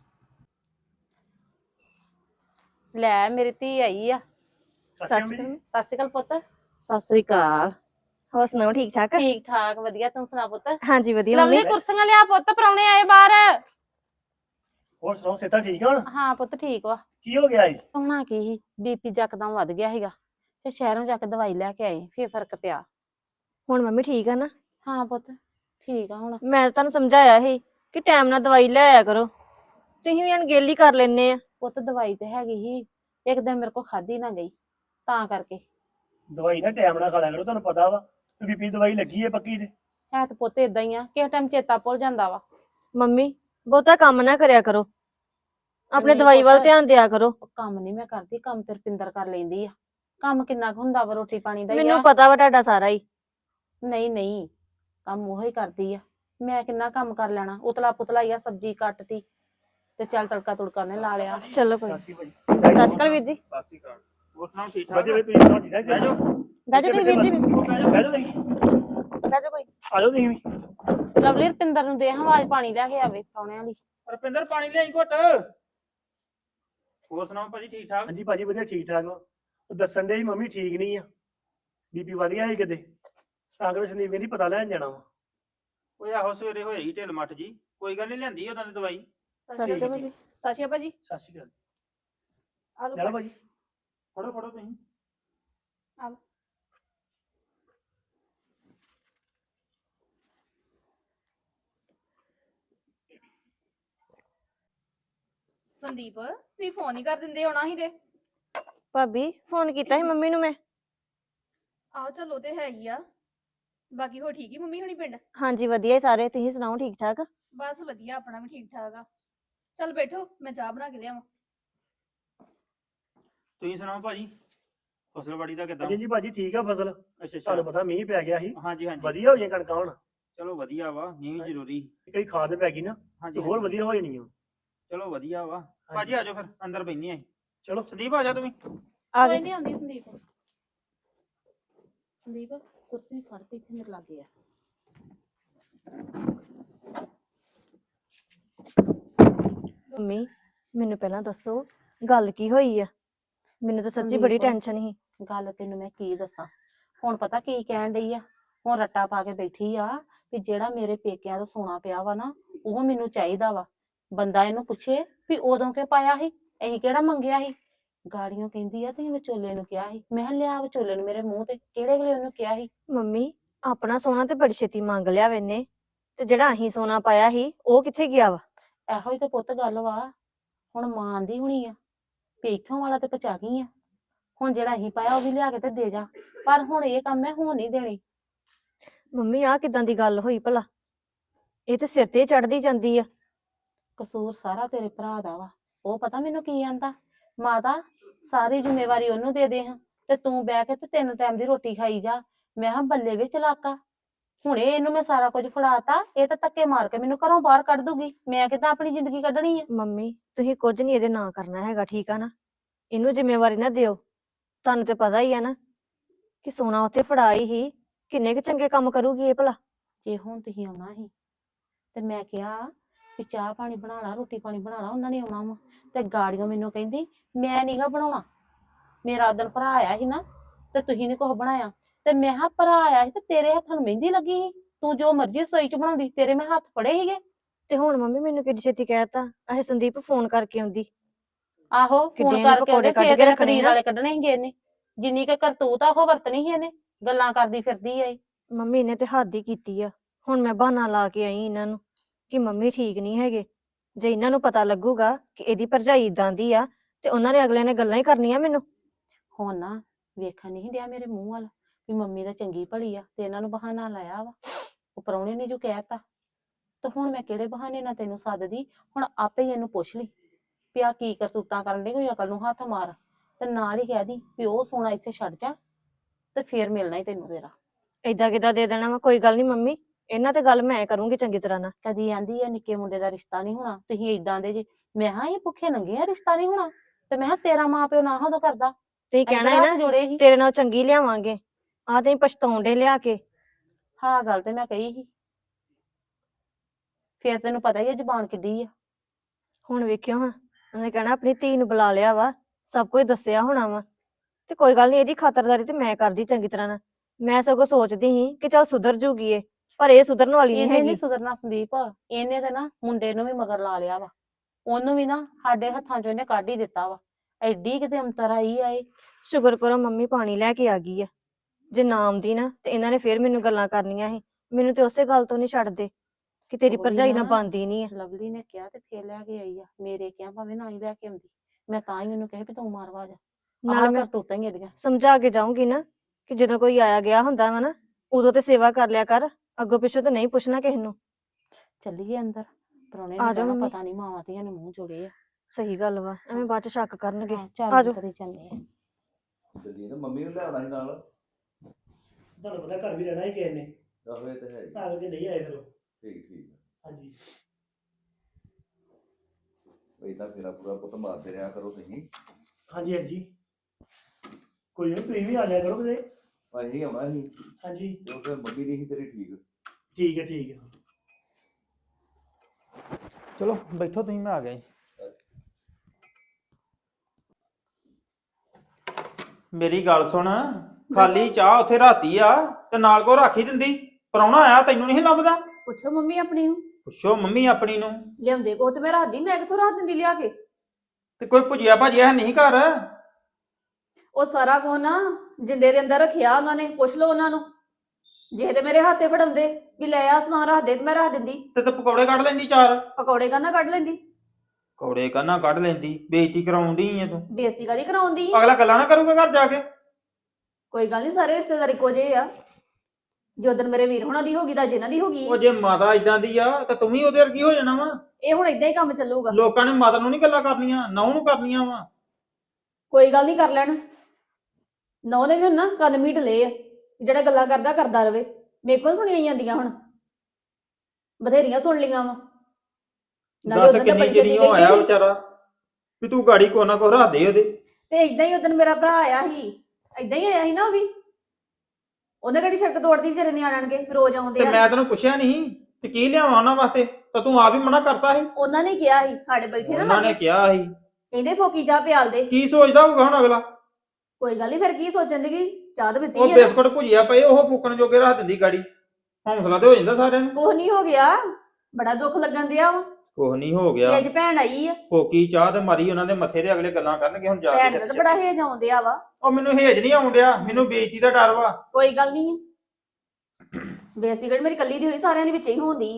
ਲੈ ਮੇਰੀ ਧੀ ਆਈ ਆ।
ਸੱਚੀ ਮੰਮੀ ਜੀ?
ਸਤਿ ਸ਼੍ਰੀ ਅਕਾਲ ਪੁੱਤ।
ਸਤਿ ਸ੍ਰੀ ਅਕਾਲ।
ਹੋਰ ਸੁਣਾਓ, ਠੀਕ ਠਾਕ?
ਠੀਕ ਠਾਕ ਵਧੀਆ, ਤੂੰ ਸੁਣਾ ਪੁੱਤ?
ਹਾਂਜੀ ਵਧੀਆ
ਲਵਲੀ
ਮੰਮੀ।
ਕੁਰਸੀਆਂ ਲਿਆ ਪੁੱਤ, ਪ੍ਰਾਹੁਣੇ ਆਏ ਬਾਹਰ।
ਹੋਰ ਸੁਣਾਓ, ਸਿਹਤਾਂ ਠੀਕ ਆ ਹੁਣ?
ਹਾਂ ਪੁੱਤ ਠੀਕ ਵਾ।
ਕੀ ਹੋ ਗਿਆ ਜੀ?
ਹੋਣਾ ਕੀ ਸੀ, ਬੀਪੀ ਜਕਦਮ ਵੱਧ ਗਿਆ ਸੀਗਾ, ਤੇ ਸ਼ਹਿਰੋਂ ਜਾ ਕੇ ਦਵਾਈ ਲੈ ਕੇ ਆਏ, ਫੇਰ ਫਰਕ ਪਿਆ।
ਹੁਣ ਮੰਮੀ ਠੀਕ ਆ ਨਾ?
ਹਾਂ ਪੁੱਤ ਠੀਕ ਆ ਹੁਣ।
ਮੈਂ ਤੁਹਾਨੂੰ ਸਮਝਾਇਆ ਸੀ ਕਿ ਟਾਈਮ ਨਾਲ ਦਵਾਈ ਲੈ ਆਇਆ ਕਰੋ, ਤੁਸੀਂ ਵੀ ਅਣਗਹਿਲੀ ਕਰ ਲੈਨੇ ਆ।
ਪੁੱਤ ਦਵਾਈ ਤੇ ਹੈਗੀ ਸੀ, ਇੱਕ ਦਿਨ ਮੇਰੇ ਕੋਲ ਖਾਧੀ ਨਾ ਗਈ, ਤਾਂ ਕਰਕੇ।
ਦਵਾਈ ਨਾ ਟਾਈਮ ਨਾਲ ਖਾ ਲਿਆ ਕਰੋ, ਤੁਹਾਨੂੰ ਪਤਾ ਵਾ ਬੀਪੀ ਦਵਾਈ ਲੱਗੀ ਹੈ ਪੱਕੀ ਤੇ।
ਹੈ ਤੇ ਪੁੱਤ ਏਦਾਂ ਹੀ ਆ, ਕਿਸੇ ਟਾਈਮ ਚੇਤਾ ਭੁੱਲ ਜਾਂਦਾ ਵਾ।
ਮੰਮੀ ਬਹੁਤਾ ਕੰਮ ਨਾ ਕਰਿਆ ਕਰੋ, ਆਪਣੇ
ਨਹੀਂ
ਦਵਾਈ ਵੱਲ
ਪੁੱਤ।
ਧਿਆਨ ਦਿਆ ਕਰੋ।
ਉਹ ਕੰਮ ਨਹੀਂ ਮੈਂ ਕਰਦੀ, ਕੰਮ ਤੇ ਰਪਿੰਦਰ ਕਰ ਲੈਂਦੀ ਆ। ਕੰਮ ਕਿੰਨਾ ਕੁ ਹੁੰਦਾ ਵਾ, ਰੋਟੀ ਪਾਣੀ ਦਾ ਹੀ
ਮੈਨੂੰ
ਆ।
ਪਤਾ ਵਾ ਤੁਹਾਡਾ ਸਾਰਾ ਹੀ।
ਨਹੀਂ ਨਹੀਂ, ਕੰਮ ਉਹੀ ਕਰਦੀ ਆ, ਮੈਂ ਕਿੰਨਾ ਕੰਮ ਕਰ ਲੈਣਾ। ਉਤਲਾ ਪੁਤਲਾ ਹੀ ਆ, ਸਬਜ਼ੀ ਕੱਟਤੀ ਤੇ ਚੱਲ ਤੜਕਾ ਤੁੜਕਾ ਨੇ ਲਾ ਲਿਆ।
ਚਲੋ ਕੋਈ ਨੀ।
ਸਾਸੀ ਭਾਈ।
ਸਤਿ ਸ਼੍ਰੀ ਅਕਾਲ ਵੀਰ ਜੀ।
ਸਤਿ ਸ਼੍ਰੀ ਅਕਾਲ। ਹੋਰ ਸੁਣਾਓ, ਠੀਕ ਠਾਕ?
ਵਧੀਆ ਵੀ ਤੁਸੀਂ ਸੁਣਾਓ, ਠੀਕ ਠਾਕ?
ਬਹਿ ਜਾਓ।
ਬਹਿ ਜਾਓ ਤੁਸੀਂ ਵੀਰ ਜੀ,
ਬਹਿ ਜਾਓ ਤੁਸੀਂ।
ਬਹਿ ਜਾਓ ਕੋਈ।
ਆ ਜਾਓ ਤੁਸੀਂ ਵੀ।
ਲਵਲੀ ਰਪਿੰਦਰ ਨੂੰ ਦੇ ਆਵਾਜ਼, ਪਾਣੀ ਲੈ ਕੇ ਆਵੇ ਪ੍ਰਾਹੁਣਿਆਂ ਲਈ।
ਰੁਪਿੰਦਰ ਪਾਣੀ ਲਿਆਈ ਘੁੱਟ। ਹੋਰ ਸੁਣਾਓ ਭਾਜੀ, ਠੀਕ ਠਾਕ?
ਹਾਂਜੀ ਭਾਜੀ ਵਧੀਆ, ਠੀਕ ਠਾਕ ਵਾ। ਉਹ ਦੱਸਣ ਦੇ ਹੀ ਮੰਮੀ ਠੀਕ ਨਹੀਂ ਆ, ਬੀਪੀ ਵਧ ਗਿਆ ਸੀ ਕਿਤੇ, ਤਾਂ ਕਰਕੇ ਸੰਦੀਪ ਕਹਿੰਦੀ ਪਤਾ ਲੈਣ ਜਾਣਾ ਵਾ।
ਓਏ ਆਹੋ, ਸਵੇਰੇ ਹੋਈ ਸੀ ਢਿੱਲ ਮੱਠ ਜੀ, ਕੋਈ ਗੱਲ ਨਹੀਂ, ਲਿਆਂਦੀ ਉਹਨਾਂ ਦੀ ਦਵਾਈ।
ਸਤਿ ਸ਼੍ਰੀ ਅਕਾਲ ਭਾਜੀ। ਸਤਿ ਸ਼੍ਰੀ ਅਕਾਲ ਭਾਜੀ।
ਸਤਿ ਸ਼੍ਰੀ ਅਕਾਲ।
ਆ ਲਓ
ਲੈ ਲਓ ਭਾਜੀ।
ਫੜੋ ਫੜੋ ਤੁਸੀਂ।
ਸੰਦੀਪ ਤੁਸੀਂ ਫੋਨ ਹੀ ਕਰ ਦਿੰਦੇ, ਆਉਣਾ ਸੀ ਤੇ।
ਭਾਬੀ ਫੋਨ ਕੀਤਾ ਸੀ ਮੰਮੀ ਨੂੰ ਮੈਂ।
ਆਹੋ ਚਲੋ ਤੇ ਹੈ ਹੀ ਆ। ਬਾਕੀ ਹੋ ਠੀਕ ਹੀ ਮੰਮੀ ਹੁਣੀ ਪਿੰਡ?
ਹਾਂਜੀ ਵਧੀਆ ਹੀ ਸਾਰੇ, ਤੁਸੀਂ ਸੁਣਾਓ ਠੀਕ ਠਾਕ?
ਬਸ ਵਧੀਆ, ਆਪਣਾ ਵੀ ਠੀਕ ਠਾਕ ਆ। ਚੱਲ ਬੈਠੋ, ਮੈਂ ਚਾਹ ਬਣਾ ਕੇ ਲਿਆਵਾਂ।
ਤੁਸੀਂ ਸੁਣਾਓ ਭਾਜੀ ਫਸਲਵਾੜੀ ਦਾ ਕਿੱਦਾਂ?
ਜੀ ਭਾਜੀ ਠੀਕ ਆ ਫਸਲ।
ਅੱਛਾ
ਤੁਹਾਨੂੰ ਪਤਾ ਮੀਂਹ ਪੈ ਗਿਆ ਸੀ,
ਹਾਂਜੀ ਹਾਂਜੀ
ਵਧੀਆ ਹੋਈਆਂ ਕਣਕਾਂ ਹੁਣ।
ਚਲੋ ਵਧੀਆ ਵਾ ਨਹੀਂ ਜ਼ਰੂਰੀ।
ਕਈ ਖਾਦ ਪੈ ਗਈ ਨਾ
ਹਾਂਜੀ
ਤੇ ਹੋਰ
ਹਾਂਜੀ।
ਵਧੀਆ ਹੋ ਜਾਣੀਆਂ।
ਚਲੋ ਵਧੀਆ ਵਾ ਭਾਜੀ ਆ ਜਾਓ ਫਿਰ ਅੰਦਰ ਬੈਠਨੇ ਆਂ।
ਚਲੋ
ਸੰਦੀਪ ਆ ਜਾ ਤੁਸੀਂ।
ਕੋਈ ਨਹੀਂ ਆਉਂਦੀ ਸੰਦੀਪ। ਸੰਦੀਪ ਕੁਰਸੀ ਫੜ ਕੇ ਇੱਥੇ ਮੇਰੇ ਲਾਗੇ ਆ।
ਮੰਮੀ ਮੈਨੂੰ ਪਹਿਲਾਂ ਦੱਸੋ ਗੱਲ ਕੀ ਹੋਈ ਆ? ਮੈਨੂੰ ਤਾਂ ਸੱਚੀ ਬੜੀ
ਸੰਦੀਪ,
ਟੈਨਸ਼ਨ ਸੀ।
ਗੱਲ ਤੈਨੂੰ ਮੈਂ ਕੀ ਦੱਸਾਂ। ਹੁਣ ਪਤਾ ਕੀ ਕਹਿਣ ਡਈ ਆ, ਹੁਣ ਰੱਟਾ ਪਾ ਕੇ ਬੈਠੀ ਆ ਵੀ ਜਿਹੜਾ ਮੇਰੇ ਪੇਕਿਆਂ ਤੋਂ ਸੋਨਾ ਪਿਆ ਵਾ ਨਾ ਉਹ ਮੈਨੂੰ ਚਾਹੀਦਾ ਵਾ। ਬੰਦਾ ਇਹਨੂੰ ਪੁੱਛੇ ਵੀ ਉਦੋਂ ਕਿ ਪਾਇਆ ਸੀ, ਅਸੀਂ ਕਿਹੜਾ ਮੰਗਿਆ ਸੀ। ਗਾੜੀਆਂ ਕਹਿੰਦੀ ਆ ਤੁਸੀਂ ਵਿਚੋਲੇ ਨੂੰ ਕਿਹਾ ਸੀ। ਮੈਂ ਕਿਹਾ ਲਿਆ ਵਿਚੋਲੇ ਨੂੰ ਮੇਰੇ ਮੂੰਹ ਤੇ, ਕਿਹੜੇ ਵੇਲੇ ਉਹਨੂੰ ਕਿਹਾ ਸੀ।
ਮੰਮੀ ਆਪਣਾ ਸੋਨਾ ਤੇ ਬੜੀ ਛੇਤੀ ਮੰਗ ਲਿਆ ਵੇਨੇ, ਤੇ ਜਿਹੜਾ ਅਸੀਂ ਸੋਨਾ ਪਾਇਆ ਸੀ ਉਹ ਕਿੱਥੇ ਗਿਆ ਵਾ?
ਇਹੋ ਹੀ ਤੇ ਪੁੱਤ ਗੱਲ ਵਾ। ਹੁਣ ਮਾਂ ਆਂਦੀ ਹੋਣੀ ਆ ਵੀ ਇੱਥੋਂ ਵਾਲਾ ਤੇ ਪਚਾ ਗਈ ਆ, ਹੁਣ ਜਿਹੜਾ ਅਸੀਂ ਪਾਇਆ ਉਹ ਵੀ ਲਿਆ ਕੇ ਤੇ ਦੇ ਜਾ। ਪਰ ਹੁਣ ਇਹ ਕੰਮ ਮੈਂ ਹੋਣ ਨਹੀਂ ਦੇਣੀ।
ਮੰਮੀ ਆਹ ਕਿਦਾਂ ਦੀ ਗੱਲ ਹੋਈ ਭਲਾ? ਇਹ ਤੇ ਸਿਰ ਤੇ ਚੜਦੀ ਜਾਂਦੀ ਆ।
ਕਸੂਰ ਸਾਰਾ ਤੇਰੇ ਭਰਾ ਦਾ ਵਾ। ਉਹ ਪਤਾ ਮੈਨੂੰ ਕੀ ਆਂਦਾ, ਮਾਤਾ ਸਾਰੀ ਜ਼ਿੰਮੇਵਾਰੀ ਉਹਨੂੰ ਦੇ ਦੇ ਹਾਂ ਤੇ ਤੂੰ ਬਹਿ ਕੇ ਤੇ 3 ਟਾਈਮ ਦੀ ਰੋਟੀ ਖਾਈ ਜਾ। ਮੈਂ ਕਿਹਾ ਬੱਲੇ ਵਿੱਚ ਚਲਾਕਾ, ਹੁਣੇ ਇਹਨੂੰ ਮੈਂ ਸਾਰਾ ਕੁਝ ਫੜਾਤਾ, ਇਹ ਤਾਂ ਧੱਕੇ ਮਾਰ ਕੇ ਮੈਨੂੰ ਘਰੋਂ ਬਾਹਰ ਕੱਢ ਦੂਗੀ। ਮੈਂ ਕਿੱਦਾਂ ਆਪਣੀ ਜ਼ਿੰਦਗੀ ਕੱਢਣੀ ਆ।
ਮੰਮੀ ਤੁਸੀਂ ਕੁਝ ਨਹੀਂ ਇਹਦੇ ਨਾਂ ਕਰਨਾ ਹੈਗਾ, ਠੀਕ ਆ ਨਾ? ਇਹਨੂੰ ਜ਼ਿੰਮੇਵਾਰੀ ਨਾ ਦਿਓ। ਤੁਹਾਨੂੰ ਤੇ ਪਤਾ ਹੀ ਆ ਨਾ ਕਿ ਸੋਨਾ ਉੱਥੇ ਫੜਾਈ ਹੀ, ਕਿੰਨੇ ਕੁ ਚੰਗੇ ਕੰਮ ਕਰੂਗੀ ਇਹ ਭਲਾ।
ਜੇ ਹੁਣ ਤੁਸੀਂ ਆਉਣਾ ਸੀ ਤੇ ਮੈਂ ਕਿਹਾ ਵੀ ਚਾਹ ਪਾਣੀ ਬਣਾ ਲਾ, ਰੋਟੀ ਪਾਣੀ ਬਣਾ ਲਾ, ਉਹਨਾਂ ਨੇ ਆਉਣਾ ਵਾ। ਤੇ ਗਾੜੀਆਂ ਮੈਨੂੰ ਕਹਿੰਦੀ ਮੈਂ ਨੀਗਾ ਬਣਾਉਣਾ। ਮੇਰਾ ਉਦਣ ਭਰਾ ਆਇਆ ਸੀ ਨਾ ਤੇ ਤੁਸੀਂ ਨੀ ਕੁਛ ਬਣਾਇਆ। ਤੇ ਮੈਂ ਕਿਹਾ ਭਰਾ ਆਇਆ ਸੀ ਤੇ ਤੇਰੇ ਹੱਥਾਂ ਨੂੰ ਮਹਿੰਦੀ ਲੱਗੀ ਸੀ, ਤੂੰ ਜੋ ਮਰਜ਼ੀ ਰਸੋਈ ਚ ਬਣਾਉਂਦੀ, ਤੇਰੇ ਮੈਂ ਹੱਥ ਫੜੇ ਸੀਗੇ।
ਤੇ ਹੁਣ ਮੰਮੀ ਮੈਨੂੰ ਕਿੱਡੀ ਛੇਤੀ ਕਹਿਤਾ ਇਹ ਸੰਦੀਪ ਫੋਨ ਕਰਕੇ ਆਉਂਦੀ।
ਆਹੋ
ਕਿੱਡੇ
ਫੋਨ
ਇਹਨੇ
ਕਰਕੇ
ਪਕੌੜੇ
ਉਹਦੇ
ਕੱਢ
ਫੇਰ
ਕੇ
ਤੇਰੇ
ਰੱਖਣੇ
ਪਨੀਰ
ਆ।
ਵਾਲੇ ਕੱਢਣੇ ਸੀਗੇ ਇਹਨੇ। ਜਿੰਨੀ ਕੁ ਕਰਤੂਤ ਆ ਉਹ ਵਰਤਣੀ ਸੀ ਇਹਨੇ, ਗੱਲਾਂ ਕਰਦੀ ਫਿਰਦੀ ਏ।
ਮੰਮੀ ਇਹਨੇ ਤੇ ਹੱਦ ਹੀ ਕੀਤੀ ਆ। ਹੁਣ ਮੈਂ ਬਹਾਨਾ ਲਾ ਕੇ ਆਈ ਇਹਨਾਂ ਨੂੰ ਕਿ ਮੰਮੀ ਠੀਕ ਨਹੀਂ ਹੈਗੇ। ਜੇ ਇਹਨਾਂ ਨੂੰ ਪਤਾ ਲੱਗੂਗਾ ਕਿ ਇਹਦੀ ਭਰਜਾਈ ਇਦਾਂ ਦੀ ਆ ਤੇ ਉਹਨਾਂ ਨੇ ਅਗਲੇ ਨੇ ਗੱਲਾਂ ਹੀ ਕਰਨੀਆਂ ਮੈਨੂੰ।
ਹੁਣ ਨਾ ਵੇਖਣ ਨਹੀਂ ਡਿਆ ਮੇਰੇ ਮੂੰਹ ਵੱਲ ਵੀ ਮੰਮੀ ਤਾਂ ਚੰਗੀ ਭਲੀ ਆ ਤੇ ਇਹਨਾਂ ਨੂੰ ਬਹਾਨਾ ਲਾਇਆ ਵਾ। ਉਹ ਪ੍ਰਾਹੁਣੇ ਨੇ ਜੋ ਕਹਿਤਾ ਤੇ ਹੁਣ ਮੈਂ ਕਿਹੜੇ ਬਹਾਨੇ ਨਾਲ ਤੈਨੂੰ ਸੱਦਦੀ। ਹੁਣ ਆਪੇ ਹੀ ਇਹਨੂੰ ਪੁੱਛ ਲਈ ਵੀ ਆ ਕੀ ਕਰਤੂਤਾਂ ਕਰਨ ਡਈ, ਕੋਈ ਅਕਲ ਨੂੰ ਹੱਥ ਮਾਰ। ਤੇ ਨਾਲ ਹੀ ਕਹਿ ਦੀ ਵੀ ਉਹ ਸੋਨਾ ਇੱਥੇ ਛੱਡ ਜਾ ਤੇ ਫੇਰ ਮਿਲਣਾ ਹੀ ਤੈਨੂੰ ਤੇਰਾ।
ਏਦਾਂ ਕਿੱਦਾਂ ਦੇ ਦੇਣਾ ਵਾ? ਕੋਈ ਗੱਲ ਨਹੀਂ ਮੰਮੀ, ਇਹਨਾਂ ਤੇ ਗੱਲ ਮੈਂ ਕਰੂੰਗੀ ਚੰਗੀ ਤਰ੍ਹਾਂ ਨਾਲ।
ਕਦੀ ਆਂਦੀ ਆ ਨਿੱਕੇ ਮੁੰਡੇ ਦਾ ਰਿਸ਼ਤਾ ਨਹੀਂ ਹੋਣਾ, ਤੁਸੀਂ ਏਦਾਂ ਦੇ ਜੇ। ਮੈਂ ਕਿਹਾ ਇਹ ਭੁੱਖੇ ਨੰਗੇ ਆ, ਰਿਸ਼ਤਾ ਨਹੀਂ ਹੋਣਾ। ਤੇ ਮੈਂ ਕਿਹਾ ਤੇਰਾ ਮਾਂ ਪਿਓ ਨਾ ਉਦੋਂ ਕਰਦਾ,
ਤੁਸੀਂ
ਅਸੀਂ
ਕਹਿਣਾ
ਕਿਹੜਾ
ਹੈ
ਹੱਥ
ਨਾ
ਜੋੜੇ ਸੀ।
ਤੇਰੇ ਨਾਲ ਚੰਗੀ ਲਿਆਵਾਂਗੇ, ਆਹ ਤੇ ਪਛਤਾਉਂਦੇ ਲਿਆ ਕੇ।
ਹਾਂ ਗੱਲ ਤੇ ਮੈਂ ਕਹੀ ਸੀ, ਫੇਰ ਤੈਨੂੰ ਪਤਾ ਹੀ ਆ ਜ਼ੁਬਾਨ ਕਿੱਡੀ ਆ।
ਹੁਣ ਵੇਖਿਓ ਹਾਂ, ਉਹਨੇ ਕਹਿਣਾ ਆਪਣੀ ਧੀ ਨੂੰ ਬੁਲਾ ਲਿਆ ਵਾ, ਸਭ ਕੁਝ ਦੱਸਿਆ ਹੋਣਾ ਵਾ। ਤੇ ਕੋਈ ਗੱਲ ਨਹੀਂ, ਇਹਦੀ ਖਾਤਰਦਾਰੀ ਤੇ ਮੈਂ ਕਰਦੀ ਚੰਗੀ ਤਰ੍ਹਾਂ ਨਾਲ। ਮੈਂ ਸਗੋਂ ਸੋਚਦੀ ਸੀ ਕਿ ਚੱਲ ਸੁਧਰ ਜੂਗੀ ਇਹ, ਪਰ ਇਹ ਸੁਧਰਨ ਵਾਲੀ ਨਹੀਂ
ਇਹਨੇ
ਹੈਗੀ।
ਨੀ ਸੁਧਰਨਾ ਸੰਦੀਪ, ਇਹਨੇ ਤੇ ਨਾ ਮੁੰਡੇ ਨੂੰ ਵੀ ਮਗਰ ਲਾ ਲਿਆ ਵਾ। ਉਹਨੂੰ ਵੀ ਨਾ ਸਾਡੇ ਹੱਥਾਂ ਚੋਂ ਇਹਨੇ ਕੱਢ ਹੀ ਦਿੱਤਾ ਵਾ। ਐਡੀ ਕਿਤੇ ਅੰਤਰ ਆਈ ਆ ਇਹ।
ਸ਼ੁਕਰ ਕਰੋ ਮੰਮੀ ਪਾਣੀ ਲੈ ਕੇ ਆ ਗਈ ਆ। ਜੇ ਨਾ ਆਉਂਦੀ ਨਾ ਤੇ ਇਹਨਾਂ ਨੇ ਫੇਰ ਮੈਨੂੰ ਗੱਲਾਂ ਕਰਨੀਆਂ ਸੀ। ਮੈਨੂੰ ਤੇ ਉਸੇ ਗੱਲ ਤੋਂ ਨਹੀਂ ਛੱਡਦੇ ਕਿ ਤੇਰੀ
ਉਹੀ
ਭਰਜਾਈ ਨਾਲ
ਨਾ,
ਬਣਦੀ ਨਹੀਂ ਆ।
ਲਵਲੀ ਨੇ ਕਿਹਾ ਤੇ ਫੇਰ ਲੈ ਕੇ ਆਈ ਆ। ਮੇਰੇ ਕਿਹਾ ਭਾਵੇਂ ਨਾ ਹੀ ਲੈ ਕੇ ਆਉਂਦੀ, ਮੈਂ ਤਾਂ ਹੀ ਉਹਨੂੰ ਕਿਹਾ ਵੀ ਤੂੰ ਮਾਰਵਾ ਜਾ।
ਨਾਲੇ
ਆਹ
ਮੈਂ
ਕਰਤੂਤਾਂ ਹੀ ਇਹਦੀਆਂ।
ਸਮਝਾ ਕੇ ਜਾਊਂਗੀ ਨਾ ਕਿ ਜਦੋਂ ਕੋਈ ਆਇਆ ਗਿਆ ਹੁੰਦਾ ਵਾ ਨਾ, ਉਦੋਂ ਤੇ ਸੇਵਾ ਕਰ ਲਿਆ ਕਰ, ਅੱਗੋਂ ਪਿੱਛੋਂ ਤੇ ਨਹੀਂ ਪੁੱਛਣਾ ਕਿਸੇ ਨੂੰ।
ਚੱਲੀਏ ਅੰਦਰ, ਪ੍ਰਾਹੁਣੇ
ਆ
ਨੇ
ਜਾਓ
ਕਹਿਣਾ
ਮੰਮੀ।
ਪਤਾ ਨਹੀਂ ਮਾਵਾਂ ਧੀਆਂ ਨੇ ਮੂੰਹ ਜੋੜੇ ਆ।
ਸਹੀ ਗੱਲ ਵਾ, ਐਵੇਂ ਬਾਅਦ ਚ ਸ਼ੱਕ ਕਰਨਗੇ।
ਹਾਂ,
ਆ
ਚੱਲ
ਜਾਓ।
ਅੰਦਰ ਹੀ ਚੱਲੇ ਆ।
ਚੱਲੀਏ ਨਾ, ਮੰਮੀ ਨੂੰ ਲਿਆਉਣਾ ਸੀ ਨਾਲ।
ਤੁਹਾਨੂੰ ਪਤਾ ਘਰ ਵੀ ਰਹਿਣਾ ਹੀ ਕਿਸੇ ਨੇ,
ਆਹੋ ਇਹ ਤੇ ਹੈ ਹੀ।
ਤਾਂ ਕਰਕੇ ਨਹੀਂ ਆਏ ਫਿਰ ਉਹ।
ਠੀਕ ਠੀਕ
ਹਾਂਜੀ
ਏਦਾਂ ਫੇਰਾ ਪੂਰਾ ਪੁੱਤ ਮਾਰਦੇ ਰਿਹਾ ਕਰੋ ਤੁਸੀਂ।
ਹਾਂਜੀ ਹਾਂਜੀ ਕੋਈ ਨਹੀਂ, ਤੁਸੀਂ ਵੀ ਆ ਜਾਇਆ ਕਰੋ ਕਿਤੇ।
ਅਸੀਂ ਆਉਣਾ ਸੀ
ਹਾਂਜੀ
ਤੇ ਉਹ ਫਿਰ ਮੰਮੀ ਨਹੀਂ ਸੀ ਤੇਰੀ ਠੀਕ।
ਠੀਕ ਹੈ ਠੀਕ ਹੈ।
ਚਲੋ ਬੈਠੋ ਤੁਸੀਂ, ਮੈਂ ਆ ਗਿਆ ਜੀ। ਮੇਰੀ ਗੱਲ ਸੁਣ, ਖਾਲੀ ਚਾਹ ਉੱਥੇ ਰਾਤੀ ਆ ਤੇ ਨਾਲ ਕੋ ਰੱਖ ਹੀ ਦਿੰਦੀ। ਪ੍ਰਾਹੁਣਾ ਆਇਆ ਤੈਨੂੰ ਨਹੀਂ ਲੱਭਦਾ?
ਪੁੱਛੋ ਮੰਮੀ ਆਪਣੀ ਨੂੰ,
ਪੁੱਛੋ ਮੰਮੀ ਆਪਣੀ ਨੂੰ।
ਲਿਆਉਂਦੇ ਕੋ ਤੇ ਮੈਂ ਰੱਖਦੀ, ਮੈਂ ਕਿੱਥੋਂ ਰੱਖ ਦਿੰਦੀ ਲਿਆ ਕੇ।
ਤੇ ਕੋਈ ਭੁਜਿਆ ਭਾਜਿਆ ਨਹੀਂ ਘਰ?
ਉਹ ਸਾਰਾ ਕੁਝ ਨਾ ਜਿੰਦੇ ਦੇ ਅੰਦਰ ਰੱਖਿਆ ਉਹਨਾਂ ਨੇ, ਪੁੱਛ ਲਓ ਉਹਨਾਂ ਨੂੰ। ਜੇ ਤੇ ਮੇਰੇ ਹੱਥੇ ਫੜਾਉਂਦੇ ਵੀ ਲੈ ਆ ਸਮਾਨ ਰੱਖ ਦੇ, ਤੇ ਮੈਂ ਰੱਖ ਦਿੰਦੀ।
ਤੇ ਪਕੌੜੇ ਕੱਢ ਲੈਂਦੀ 4।
ਪਕੌੜੇ ਕਾਹਨਾ ਕੱਢ ਲੈਂਦੀ,
ਪਕੌੜੇ ਕੰਨਾ ਕੱਢ ਲੈਂਦੀ। ਬੇਇੱਜ਼ਤੀ ਕਰਾਉਣ ਡਈ ਆ ਤੂੰ।
ਬੇਇੱਜ਼ਤੀ ਕਾਹਦੀ ਕਰਾਉਂਦੀ।
ਅਗਲਾ ਗੱਲਾਂ ਨਾ ਕਰੂਗਾ ਘਰ ਜਾ ਕੇ।
ਕੋਈ ਗੱਲ ਨਹੀਂ, ਸਾਰੇ ਰਿਸ਼ਤੇਦਾਰ ਇੱਕੋ ਜਿਹੇ ਆ। ਜੋ ਦਿਨ ਮੇਰੇ ਵੀਰ ਹੋਣਾ ਦੀ ਹੋ ਗਈ ਤਾਂ ਜਿਹਨਾਂ ਦੀ ਹੋ ਗਈ।
ਉਹ ਜੇ ਮਾਤਾ ਇਦਾਂ ਦੀ ਆ ਤਾਂ ਤੂੰ ਵੀ ਉਹਦੇ ਵਰਗੀ ਹੋ ਜਾਣਾ ਵਾ।
ਇਹ ਹੁਣ ਇਦਾਂ ਹੀ ਕੰਮ ਚੱਲੂਗਾ।
ਲੋਕਾਂ ਨੇ ਮਾਤਾ ਨੂੰ ਨਹੀਂ ਗੱਲਾਂ ਕਰਨੀਆਂ, ਨਹੁੰ ਨੂੰ ਕਰਨੀਆਂ ਵਾ।
ਕੋਈ ਗੱਲ ਨਹੀਂ, ਕਰ ਲੈਣ। ਨੌ ਨੇ ਵੀ ਹੁਣ ਨਾ ਕੰਨ ਮੀਟ ਲਏ ਆ, ਜਿਹੜਾ ਗੱਲਾਂ ਕਰਦਾ ਕਰਦਾ ਰਵੇ। ਮੇਰੇ ਕੋਲ ਸੁਣੀਆਂ ਜਾਂਦੀਆਂ ਹੁਣ, ਬਥੇਰੀਆਂ ਸੁਣ ਲੀਆਂ ਵਾ।
ਦੱਸ ਕਿੰਨੀ ਜਿਹੜੀ ਉਹ ਆਇਆ ਵਿਚਾਰਾ ਵੀ ਤੂੰ ਗਾੜੀ ਕੋ ਨਾ ਕੋ ਹਰਾ ਦੇ ਉਹਦੇ।
ਤੇ ਇਦਾਂ ਹੀ ਉਦੋਂ ਮੇਰਾ ਭਰਾ ਆਇਆ ਸੀ, ਇਦਾਂ ਹੀ ਆਇਆ ਸੀ ਨਾ ਉਹ ਵੀ। ਉਹਨੇ ਕਿਹੜੀ ਸੜਕ ਤੋੜਦੀ ਵਿਚਾਰੇ ਨਿਆਣਿਆਂ ਕੇ, ਰੋਜ਼ ਆਉਂਦੇ
ਤੇ
ਆ।
ਮੈਂ ਤੈਨੂੰ ਪੁੱਛਿਆ ਨਹੀਂ ਕਿ ਕੀ ਲਿਆਵਾਂ ਉਹਨਾਂ ਵਾਸਤੇ, ਤਾਂ ਤੂੰ ਆਪ ਹੀ ਮਨਾ ਕਰਤਾ ਸੀ।
ਉਹਨਾਂ ਨੇ ਕਿਹਾ ਸੀ, ਸਾਡੇ ਬੈਠੇ ਨਾ
ਉਹਨਾਂ ਨੇ
ਲਾਗੇ,
ਕਿਹਾ ਸੀ।
ਕਹਿੰਦੇ ਫੋਕੀ ਚਾਹ ਪਿਆਲ ਦੇ।
ਕੀ ਸੋਚਦਾ ਹੋਊਗਾ ਹੁਣ ਅਗਲਾ?
ਕੋਈ ਗੱਲ ਨਹੀਂ, ਫਿਰ ਕੀ ਸੋਚਣ ਦੀ, ਚਾਹ ਤਾਂ ਪੀਤੀ
ਉਹ
ਹੈ ਨਾ।
ਬਿਸਕੁਟ ਭੁਜਿਆ ਪਏ ਉਹ ਫੂਕਣ ਜੋਗੇ ਰੱਖ ਦਿੰਦੀ ਗਾੜੀ, ਹੌਸਲਾ ਤੇ ਹੋ ਜਾਂਦਾ ਸਾਰਿਆਂ ਨੂੰ।
ਕੁਛ ਨਹੀਂ ਹੋ ਗਿਆ, ਬੜਾ ਦੁੱਖ ਲੱਗਣ ਦਿਆ ਵਾ।
ਕੁਛ ਨਹੀਂ ਹੋ
ਤੇ
ਗਿਆ।
ਅੱਜ ਭੈਣ ਆਈ ਆ,
ਫੋਕੀ ਚਾਹ ਤੇ ਮਾਰੀ ਉਹਨਾਂ ਦੇ ਮੱਥੇ ਤੇ, ਅਗਲੇ ਗੱਲਾਂ ਕਰਨਗੇ ਹੁਣ ਜਾ ਕੇ
ਭੈਣ ਦਾ
ਛੇਤੀ
ਤਾਂ ਬੜਾ
ਛੇਤੀ।
ਹੇਜ ਆਉਂਦਿਆ ਵਾ।
ਉਹ ਮੈਨੂੰ ਹੇਜ ਨਹੀਂ ਆਉਣ ਡਿਆ, ਮੈਨੂੰ ਬੇਇੱਜ਼ਤੀ ਦਾ ਡਰ ਵਾ।
ਕੋਈ ਗੱਲ ਨਹੀਂ, ਬੇਇੱਜ਼ਤੀ ਕਿਹੜੀ ਮੇਰੀ ਕੱਲੀ ਦੀ ਹੋਈ, ਸਾਰਿਆਂ ਦੇ ਵਿੱਚ ਹੀ ਹੁੰਦੀ।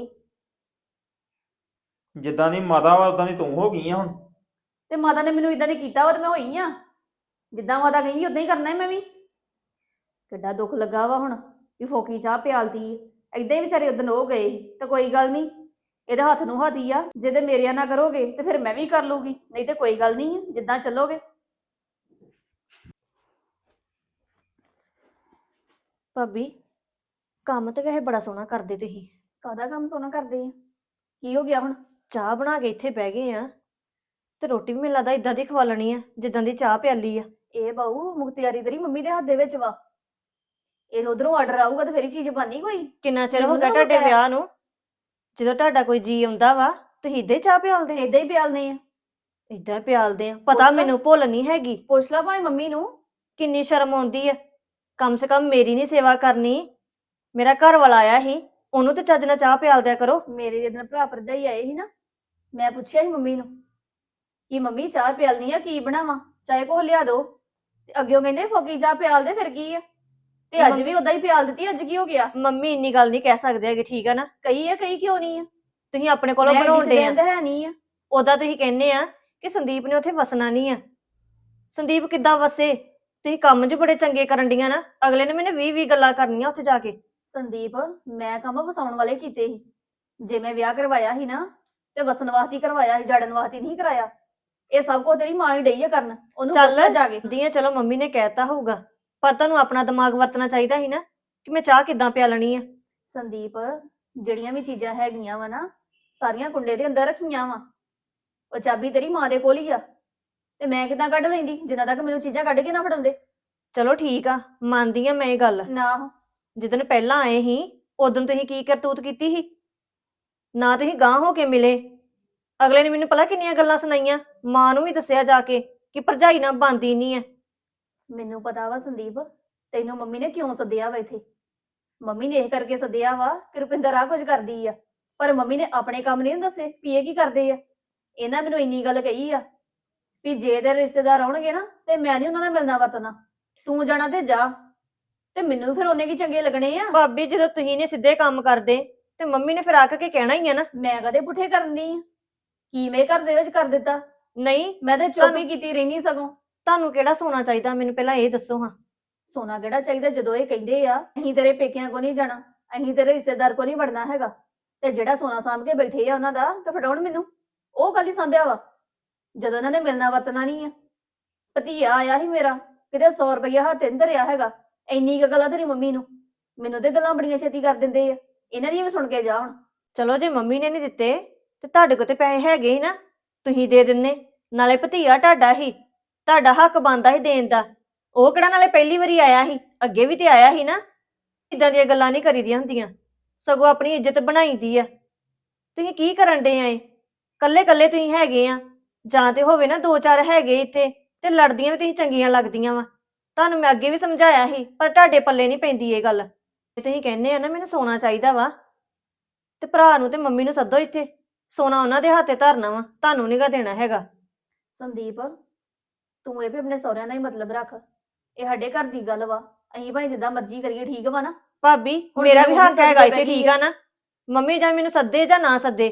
ਜਿੱਦਾਂ ਦੀ ਮਾਤਾ ਵਾ ਉਦਾਂ ਦੀ ਤੂੰ ਹੋ ਗਈ ਆ ਹੁਣ।
ਤੇ ਮਾਤਾ ਨੇ ਮੈਨੂੰ ਇਦਾਂ ਦੀ ਕੀਤਾ ਵਾ ਤੇ ਮੈਂ ਹੋਈ ਆ। ਜਿੱਦਾਂ ਮਾਤਾ ਕਹਿੰਦੀ ਉਦਾਂ ਹੀ ਕਰਨਾ ਹੈ ਮੈਂ ਵੀ। ਕਿੱਡਾ ਦੁੱਖ ਲੱਗਾ ਵਾ ਹੁਣ ਵੀ ਫੋਕੀ ਚਾਹ ਪਿਆਲਦੀ ਏਦਾਂ ਹੀ ਵਿਚਾਰੇ ਉਦੋਂ ਹੋ ਗਏ ਸੀ। ਤਾਂ ਕੋਈ ਗੱਲ ਨਹੀਂ, ਇਹਦੇ ਹੱਥ ਨੂੰ ਹੱਥ ਹੀ ਆ। ਜੇ ਤੇ ਮੇਰਿਆਂ ਨਾ ਕਰੋਗੇ ਤੇ ਫਿਰ ਮੈਂ ਵੀ ਕਰ ਲੂਗੀ, ਨਹੀਂ ਤੇ ਕੋਈ ਗੱਲ ਨਹੀਂ, ਜਿੱਦਾਂ ਚੱਲੋਗੇ।
ਭਾਬੀ ਕੰਮ ਤੇ ਵੈਸੇ ਬੜਾ ਸੋਹਣਾ ਕਰਦੇ ਤੁਸੀਂ।
ਕਾਹਦਾ ਕੰਮ ਸੋਹਣਾ ਕਰਦੇ ਆ? ਕੀ ਹੋ ਗਿਆ ਹੁਣ?
ਚਾਹ ਬਣਾ ਕੇ ਇੱਥੇ ਬਹਿ ਗਏ ਆ ਤੇ ਰੋਟੀ ਵੀ ਮੈਨੂੰ ਲੱਗਦਾ ਇਦਾਂ ਦੀ ਖਵਾ ਲੈਣੀ ਆ ਜਿੱਦਾਂ ਦੀ ਚਾਹ ਪਿਆਲੀ ਆ।
ਇਹ ਬਾਊ ਮੁਖਤਿਆਰੀ ਤੇਰੀ ਮੰਮੀ ਦੇ ਹੱਥ ਦੇ ਵਿੱਚ ਵਾ। ਇਹ ਉਧਰੋਂ ਆਰਡਰ ਆਊਗਾ ਤੇ ਫਿਰ ਹੀ ਚੀਜ਼ ਬਣਨੀ ਕੋਈ।
ਕਿੰਨਾ ਚਿਰ
ਮੈਨੂੰ
ਹੋ ਗਿਆ
ਨਾ
ਤੁਹਾਡੇ
ਪਤਾ।
ਵਿਆਹ ਨੂੰ? ਜਦੋਂ ਤੁਹਾਡਾ ਕੋਈ ਜੀ ਆਉਂਦਾ ਵਾ ਤੁਸੀਂ ਇਦਾਂ ਹੀ ਚਾਹ ਪਿਆਲਦੇ?
ਏਦਾਂ ਹੀ ਪਿਆਲਨੇ ਆ।
ਇਦਾਂ ਪਿਆਲਦੇ ਆ?
ਪੁੱਛ
ਪਤਾ
ਲੈ।
ਮੈਨੂੰ ਭੁੱਲ ਨਹੀਂ ਹੈਗੀ।
ਪੁੱਛ ਲਾ ਭਾਵੇਂ ਮੰਮੀ ਨੂੰ।
ਕਿੰਨੀ ਸ਼ਰਮ ਆਉਂਦੀ ਆ। ਕਮ ਸੇ ਕਮ ਮੇਰੀ ਨਹੀਂ ਸੇਵਾ ਕਰਨੀ। ਮੇਰਾ ਘਰ ਵਾਲਾ ਆਇਆ ਸੀ, ਉਹਨੂੰ ਤੇ ਚੱਜ ਨਾਲ ਚਾਹ ਪਿਆਲ ਦਿਆ ਕਰੋ।
ਮੇਰੇ ਜਦੋਂ ਭਰਾ ਭਰਜਾਈ ਆਏ ਸੀ ਨਾ, ਮੈਂ ਪੁੱਛਿਆ ਸੀ ਮੰਮੀ ਨੂੰ ਕਿ ਮੰਮੀ ਚਾਹ ਪਿਆਲਨੀ ਆ, ਕੀ ਬਣਾਵਾਂ, ਚਾਹੇ ਕੋ ਲਿਆ ਦੋ। ਤੇ ਅੱਗਿਓਂ ਕਹਿੰਦੇ ਫੋਕੀ ਚਾਹ ਪਿਆਲ ਦੇ, ਫਿਰ ਕੀ ਆ। ਤੇ ਅੱਜ ਵੀ ਉਦਾਂ ਹੀ ਪਿਆਲ ਦਿੱਤੀ, ਅੱਜ ਕੀ ਹੋ ਗਿਆ?
ਮੰਮੀ ਇੰਨੀ ਗੱਲ ਨਹੀਂ ਕਹਿ ਸਕਦੇ ਹੈਗੇ, ਠੀਕ ਆ ਨਾ?
ਕਈ ਆ, ਕਈ ਕਿਉਂ ਨਹੀਂ ਆ?
ਤੁਸੀਂ ਆਪਣੇ ਕੋਲੋਂ
ਮੈਂ
ਬਣਾਉਂਦੇ ਆ।
ਤਾਂ ਹੈ ਨਹੀਂ ਆ।
ਉਦਾਂ ਤੁਸੀਂ ਕਹਿੰਦੇ ਆ ਕਿ ਸੰਦੀਪ ਨੇ ਉੱਥੇ ਵਸਣਾ ਨਹੀਂ ਆ। ਸੰਦੀਪ ਕਿੱਦਾਂ ਵਸੇ? ਤੁਸੀਂ ਕੰਮ 'ਚ ਬੜੇ ਚੰਗੇ ਕਰਨ ਡੀਆਂ ਨਾ। ਅਗਲੇ ਨੇ ਮੈਨੂੰ 20 ਗੱਲਾਂ ਕਰਨੀਆਂ ਉੱਥੇ ਜਾ ਕੇ।
ਸੰਦੀਪ, ਮੈਂ ਕੰਮ ਵਸਾਉਣ ਵਾਲੇ ਕੀਤੇ ਸੀ। ਜੇ ਮੈਂ ਵਿਆਹ ਕਰਵਾਇਆ ਸੀ ਨਾ ਤੇ ਵਸਣ ਵਾਸਤੇ ਹੀ ਕਰਵਾਇਆ ਸੀ, ਜੜਨ ਵਾਸਤੇ ਨਹੀਂ ਕਰਾਇਆ। ਇਹ ਸਭ ਕੁਝ ਤੇਰੀ ਮਾਂ ਹੀ ਡਈ ਆ ਕਰਨ, ਉਹਨੂੰ ਪੁੱਛ ਲੈ ਜਾ ਕੇ।
ਦੀਆਂ ਚਲੋ ਮੰਮੀ ਨੇ ਕਹਿਤਾ ਹੋਊਗਾ, ਪਰ ਤੁਹਾਨੂੰ ਆਪਣਾ ਦਿਮਾਗ ਵਰਤਣਾ ਚਾਹੀਦਾ ਸੀ ਨਾ ਕਿ ਮੈਂ ਚਾਹ ਕਿੱਦਾਂ ਪਿਆਲਣੀ ਆ।
ਸੰਦੀਪ, ਜਿਹੜੀਆਂ ਵੀ ਚੀਜ਼ਾਂ ਹੈਗੀਆਂ ਵਾ ਨਾ, ਸਾਰੀਆਂ ਕੁੰਡੇ ਦੇ ਅੰਦਰ ਰੱਖੀਆਂ ਵਾ। ਉਹ ਚਾਬੀ ਤੇਰੀ ਮਾਂ ਦੇ ਕੋਲ ਹੀ ਆ, ਤੇ ਮੈਂ ਕਿੱਦਾਂ ਕੱਢ ਲੈਂਦੀ ਜਿੰਨਾ ਤੱਕ ਮੈਨੂੰ ਚੀਜ਼ਾਂ ਕੱਢ ਕੇ ਨਾ ਫੜਾਉਂਦੇ।
ਚਲੋ ਠੀਕ ਆ, ਮੰਨਦੀ ਆ ਮੈਂ ਇਹ ਗੱਲ।
ਨਾ,
ਜਿੱਦਣ ਪਹਿਲਾਂ ਆਏ ਸੀ ਉਦੋਂ ਤੁਸੀਂ ਕੀ ਕਰਤੂਤ ਕੀਤੀ ਸੀ? ਨਾ ਤੁਸੀਂ ਗਾਂਹ ਹੋ ਕੇ ਮਿਲੇ। ਅਗਲੇ ਨੇ ਮੈਨੂੰ ਪਤਾ ਕਿੰਨੀਆਂ ਗੱਲਾਂ ਸੁਣਾਈਆਂ, ਮਾਂ ਨੂੰ ਵੀ ਦੱਸਿਆ ਜਾ ਕੇ ਕਿ ਭਰਜਾਈ ਨਾਲ ਬਣਦੀ ਨਹੀਂ ਆ।
ਮੈਨੂੰ ਪਤਾ ਵਾ ਸੰਦੀਪ, ਤੈਨੂੰ ਮੰਮੀ ਨੇ ਕਿਉਂ ਸੱਦਿਆ ਵਾ ਇੱਥੇ। ਮੰਮੀ ਨੇ ਇਹ ਕਰਕੇ ਸੱਦਿਆ ਵਾ ਕਿ ਰੁਪਿੰਦਰ ਆ ਕੁਝ ਕਰਦੀ ਆ, ਪਰ ਮੰਮੀ ਨੇ ਆਪਣੇ ਕੰਮ ਨਹੀਂ ਦੱਸੇ ਵੀ ਇਹ ਕੀ ਕਰਦੇ ਆ। ਇਹਨਾਂ ਮੈਨੂੰ ਇੰਨੀ ਗੱਲ ਕਹੀ ਆ ਵੀ ਜੇ ਤੇਰੇ ਰਿਸ਼ਤੇਦਾਰ ਆਉਣਗੇ ਨਾ ਤੇ ਮੈਂ ਨਹੀਂ ਉਹਨਾਂ ਨਾਲ ਮਿਲਣਾ ਵਰਤਣਾ, ਤੂੰ ਜਾਣਾ ਤੇ ਜਾ। ਤੇ ਮੈਨੂੰ ਫਿਰ ਉਹਨੇ ਕੀ ਚੰਗੇ ਲੱਗਣੇ ਆ।
ਭਾਬੀ ਜਦੋਂ ਤੁਸੀਂ ਨੇ ਸਿੱਧੇ ਕੰਮ ਕਰਦੇ ਤੇ ਮੰਮੀ ਨੇ ਫਿਰ ਆ ਕੇ ਕਹਿਣਾ ਹੀ ਆ ਨਾ।
ਮੈਂ ਕਦੇ ਪੁੱਠੇ ਕਰਨੀ ਆ? ਕੀ ਮੈਂ ਘਰ ਦੇ ਵਿੱਚ ਕਰ ਦਿੱਤਾ?
ਨਹੀਂ,
ਮੈਂ ਤੇ ਚੁੱਪ ਹੀ ਕੀਤੀ ਰਹਿਣੀ। ਸਗੋਂ
ਤੁਹਾਨੂੰ ਕਿਹੜਾ ਸੋਨਾ ਚਾਹੀਦਾ ਮੈਨੂੰ ਪਹਿਲਾਂ ਇਹ ਦੱਸੋ ਹਾਂ।
ਸੋਨਾ ਕਿਹੜਾ ਚਾਹੀਦਾ? ਜਦੋਂ ਇਹ ਕਹਿੰਦੇ ਆ ਅਸੀਂ ਤੇਰੇ ਪੇਕਿਆਂ ਕੋ ਨਹੀਂ ਜਾਣਾ, ਅਸੀਂ ਤੇਰੇ ਰਿਸ਼ਤੇਦਾਰ ਕੋ ਨਹੀਂ ਵੜਨਾ ਹੈਗਾ, ਤੇ ਜਿਹੜਾ ਸੋਨਾ ਸਾਂਭ ਕੇ ਬੈਠੇ ਆ ਉਹਨਾਂ ਦਾ ਤੇ ਫੜਾਉਣ ਮੈਨੂੰ। ਉਹ ਕੱਲ ਹੀ ਸਾਂਭਿਆ ਵਾ ਜਦੋਂ ਇਹਨਾਂ ਨੇ ਮਿਲਣਾ ਵਰਤਣਾ ਨਹੀਂ ਆ। ਭਤੀਆ ਆਇਆ ਸੀ ਮੇਰਾ, ਕਿਤੇ 100 ਰੁਪਇਆ ਹੱਥ ਅੰਦਰ ਆ ਹੈਗਾ। ਇੰਨੀ ਕੁ ਗੱਲਾਂ ਤੇਰੀ ਮੰਮੀ ਨੂੰ, ਮੈਨੂੰ ਤੇ ਗੱਲਾਂ ਬੜੀਆਂ ਛੇਤੀ ਕਰ ਦਿੰਦੇ ਆ। ਇਹਨਾਂ ਦੀਆਂ ਵੀ ਸੁਣ ਕੇ ਜਾ ਹੁਣ।
ਚਲੋ ਜੇ ਮੰਮੀ ਨੇ ਨਹੀਂ ਦਿੱਤੇ ਤੇ ਤੁਹਾਡੇ ਕੋਲ ਤੇ ਪੈਸੇ ਹੈਗੇ ਹੀ ਨਾ, ਤੁਸੀਂ ਦੇ ਦਿੰਨੇ। ਨਾਲੇ ਭਤੀਆ ਤੁਹਾਡਾ ਹੀ, ਤੁਹਾਡਾ ਹੱਕ ਬਣਦਾ ਸੀ ਦੇਣ ਦਾ। ਉਹ ਕਿਹੜਾ ਨਾਲੇ ਪਹਿਲੀ ਵਾਰੀ ਆਇਆ ਸੀ, ਅੱਗੇ ਵੀ ਤੇ ਆਇਆ ਸੀ ਨਾ। ਇਦਾਂ ਦੀਆਂ ਗੱਲਾਂ ਨਹੀਂ ਕਰੀਦੀਆਂ ਹੁੰਦੀਆਂ, ਸਗੋਂ ਆਪਣੀ ਇੱਜ਼ਤ ਬਣਾਈਦੀ ਆ। ਤੁਸੀਂ ਕੀ ਕਰਨ ਡੇ ਆਏ? ਕੱਲੇ ਕੱਲੇ ਤੁਸੀਂ ਹੈਗੇ ਆ, ਜਾਂ ਤੇ ਹੋਵੇ ਨਾ 2-4 ਹੈਗੇ ਇੱਥੇ ਤੇ ਲੜਦੀਆਂ ਵੀ ਤੁਸੀਂ ਚੰਗੀਆਂ ਲੱਗਦੀਆਂ ਵਾ। ਤੁਹਾਨੂੰ ਮੈਂ ਅੱਗੇ ਵੀ ਸਮਝਾਇਆ ਸੀ, ਪਰ ਤੁਹਾਡੇ ਪੱਲੇ ਨਹੀਂ ਪੈਂਦੀ ਇਹ ਗੱਲ। ਤੁਸੀਂ ਕਹਿੰਦੇ ਆ ਨਾ ਮੈਨੂੰ ਸੋਨਾ ਚਾਹੀਦਾ ਵਾ, ਤੇ ਭਰਾ ਨੂੰ ਤੇ ਮੰਮੀ ਨੂੰ ਸੱਦੋ ਇੱਥੇ। ਸੋਨਾ ਉਹਨਾਂ ਦੇ ਹੱਥੇ ਧਰਨਾ ਵਾ, ਤੁਹਾਨੂੰ ਨੀ ਗਾ ਦੇਣਾ ਹੈਗਾ।
ਸੰਦੀਪ, ਤੂੰ ਇਹ ਵੀ ਆਪਣੇ ਸਹੁਰਿਆਂ ਦਾ ਹੀ ਮਤਲਬ ਰੱਖ। ਇਹ ਸਾਡੇ ਘਰ ਦੀ ਗੱਲ ਵਾ, ਅਸੀਂ ਭਾਈ ਜਿੱਦਾਂ ਮਰਜ਼ੀ ਕਰੀਏ, ਠੀਕ ਵਾ ਨਾ?
ਭਾਬੀ
ਹੁਣ
ਮੇਰਾ ਵੀ
ਮੈਨੂੰ
ਹੱਕ
ਮੰਮੀ
ਹੈਗਾ
ਸੱਦ ਕੇ
ਇੱਥੇ,
ਬਹਿ
ਠੀਕ
ਗਈ
ਆ ਨਾ? ਮੰਮੀ ਜਾਂ ਮੈਨੂੰ ਸੱਦੇ ਜਾਂ ਨਾ ਸੱਦੇ।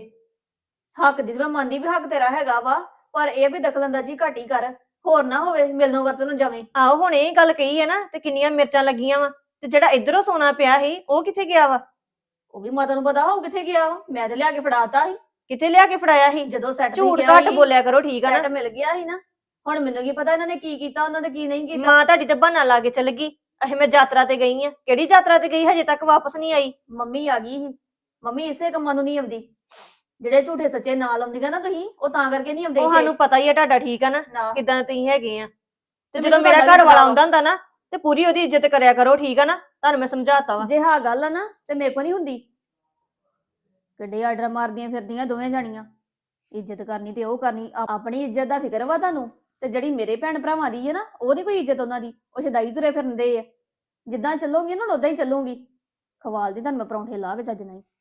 ਹੱਕ ਦੀ ਤਾਂ ਮੈਂ ਮੰਨਦੀ ਵੀ ਹੱਕ ਤੇਰਾ ਹੈਗਾ ਵਾ, ਪਰ ਇਹ ਵੀ ਦਖਲਅੰਦਾਜ਼ੀ ਘੱਟ ਹੀ ਕਰ, ਹੋਰ ਨਾ ਹੋਵੇ ਮਿਲਣੋਂ ਵਰਤਨੋਂ ਜਾਵੇਂ।
ਆਹੋ ਹੁਣ ਇਹ ਗੱਲ ਕਹੀ ਹੈ ਨਾ, ਤੇ ਕਿੰਨੀਆਂ ਮਿਰਚਾਂ ਲੱਗੀਆਂ ਵਾ। ਤੇ ਜਿਹੜਾ ਇਧਰੋਂ ਸੋਨਾ ਪਿਆ ਸੀ ਉਹ ਕਿੱਥੇ ਗਿਆ ਵਾ?
ਉਹ ਵੀ ਮਾਤਾ ਨੂੰ ਪਤਾ ਹੋਊ ਕਿੱਥੇ ਗਿਆ ਵਾ। ਮੈਂ ਤੇ ਲਿਆ ਕੇ ਫੜਾਤਾ ਸੀ
ਕਿੱਥੇ ਲਿਆ ਕੇ ਫੜਾਇਆ ਸੀ?
ਜਦੋਂ ਸੈੱਟ
ਝੂਠ ਘੱਟ ਬੋਲਿਆ ਕਰੋ, ਠੀਕ ਆ
ਸੈੱਟ
ਨਾ?
ਮਿਲ ਗਿਆ ਸੀ ਨਾ, ਹੁਣ ਮੈਨੂੰ ਕੀ ਪਤਾ ਇਹਨਾਂ ਨੇ ਕੀ ਕੀਤਾ ਉਹਨਾਂ ਨੇ ਕੀ ਨਹੀਂ ਕੀਤਾ।
ਮਾਂ ਤੁਹਾਡੀ ਤੇ ਬਹਾਨਾ ਲਾ ਕੇ ਚਲ ਗਈ, ਅਹੇ ਮੈਂ ਯਾਤਰਾ ਤੇ ਗਈ ਆ। ਕਿਹੜੀ ਯਾਤਰਾ ਤੇ ਗਈ, ਹਜੇ ਤੱਕ ਵਾਪਸ ਨਹੀਂ ਆਈ।
ਮੰਮੀ ਆ ਗਈ ਸੀ। ਮੰਮੀ ਇਸੇ ਕੰਮਾਂ ਨੂੰ ਨਹੀਂ ਆਉਂਦੀ, ਜਿਹੜੇ ਝੂਠੇ ਸੱਚੇ ਨਾਲ ਆਉਂਦੀਆਂ ਨਾ ਤੁਸੀਂ, ਉਹ ਤਾਂ ਕਰਕੇ ਨਹੀਂ ਆਉਂਦੇ
ਉਹ ਸਾਨੂੰ ਪਤਾ ਹੀ ਆ ਤੁਹਾਡਾ, ਠੀਕ ਆ ਨਾ
ਨਾ।
ਕਿਦਾਂ ਤੁਸੀਂ ਹੈਗੇ ਆ। ਤੇ
ਤੇ
ਜਦੋਂ
ਮੈਨੂੰ
ਮੇਰਾ
ਤੁਹਾਡਾ ਵੀ
ਘਰ ਵਾਲਾ
ਪਤਾ
ਆਉਂਦਾ ਹੁੰਦਾ ਨਾ ਤੇ ਪੂਰੀ ਉਹਦੀ ਇੱਜ਼ਤ ਕਰਿਆ ਕਰੋ, ਠੀਕ ਆ ਨਾ। ਤੁਹਾਨੂੰ ਮੈਂ ਸਮਝਾਤਾ ਵਾ।
ਜੇ ਹਾਂ ਗੱਲ ਆ ਨਾ ਤੇ ਮੇਰੇ ਕੋ ਨਹੀਂ ਹੁੰਦੀ। ਕਿੱਡੇ ਆਰਡਰ ਮਾਰਦੀਆਂ ਫਿਰਦੀਆਂ ਦੋਵੇਂ ਜਾਣੀਆਂ, ਇੱਜ਼ਤ ਕਰਨੀ ਤੇ ਉਹ ਕਰਨੀ। ਆਪਣੀ ਇੱਜ਼ਤ ਦਾ ਫਿਕਰ ਵਾ ਤੁਹਾਨੂੰ, ਤੇ ਜਿਹੜੀ ਮੇਰੇ ਭੈਣ ਭਰਾਵਾਂ ਦੀ ਹੈ ਨਾ, ਉਹਦੀ ਕੋਈ ਇੱਜ਼ਤ ਉਹਨਾਂ ਦੀ, ਉਹ ਸ਼ਦਾਈ ਤੁਰੇ ਫਿਰਦੇ ਆ। ਜਿੱਦਾਂ ਚੱਲੂਗੀ ਨਾ ਉਦਾਂ ਹੀ ਚੱਲੂਗੀ। ਖਵਾਲ ਦੀ ਤੁਹਾਨੂੰ ਮੈਂ ਪਰੌਂਠੇ ਲਾ ਕੇ ਚੱਜ ਨਹੀਂ।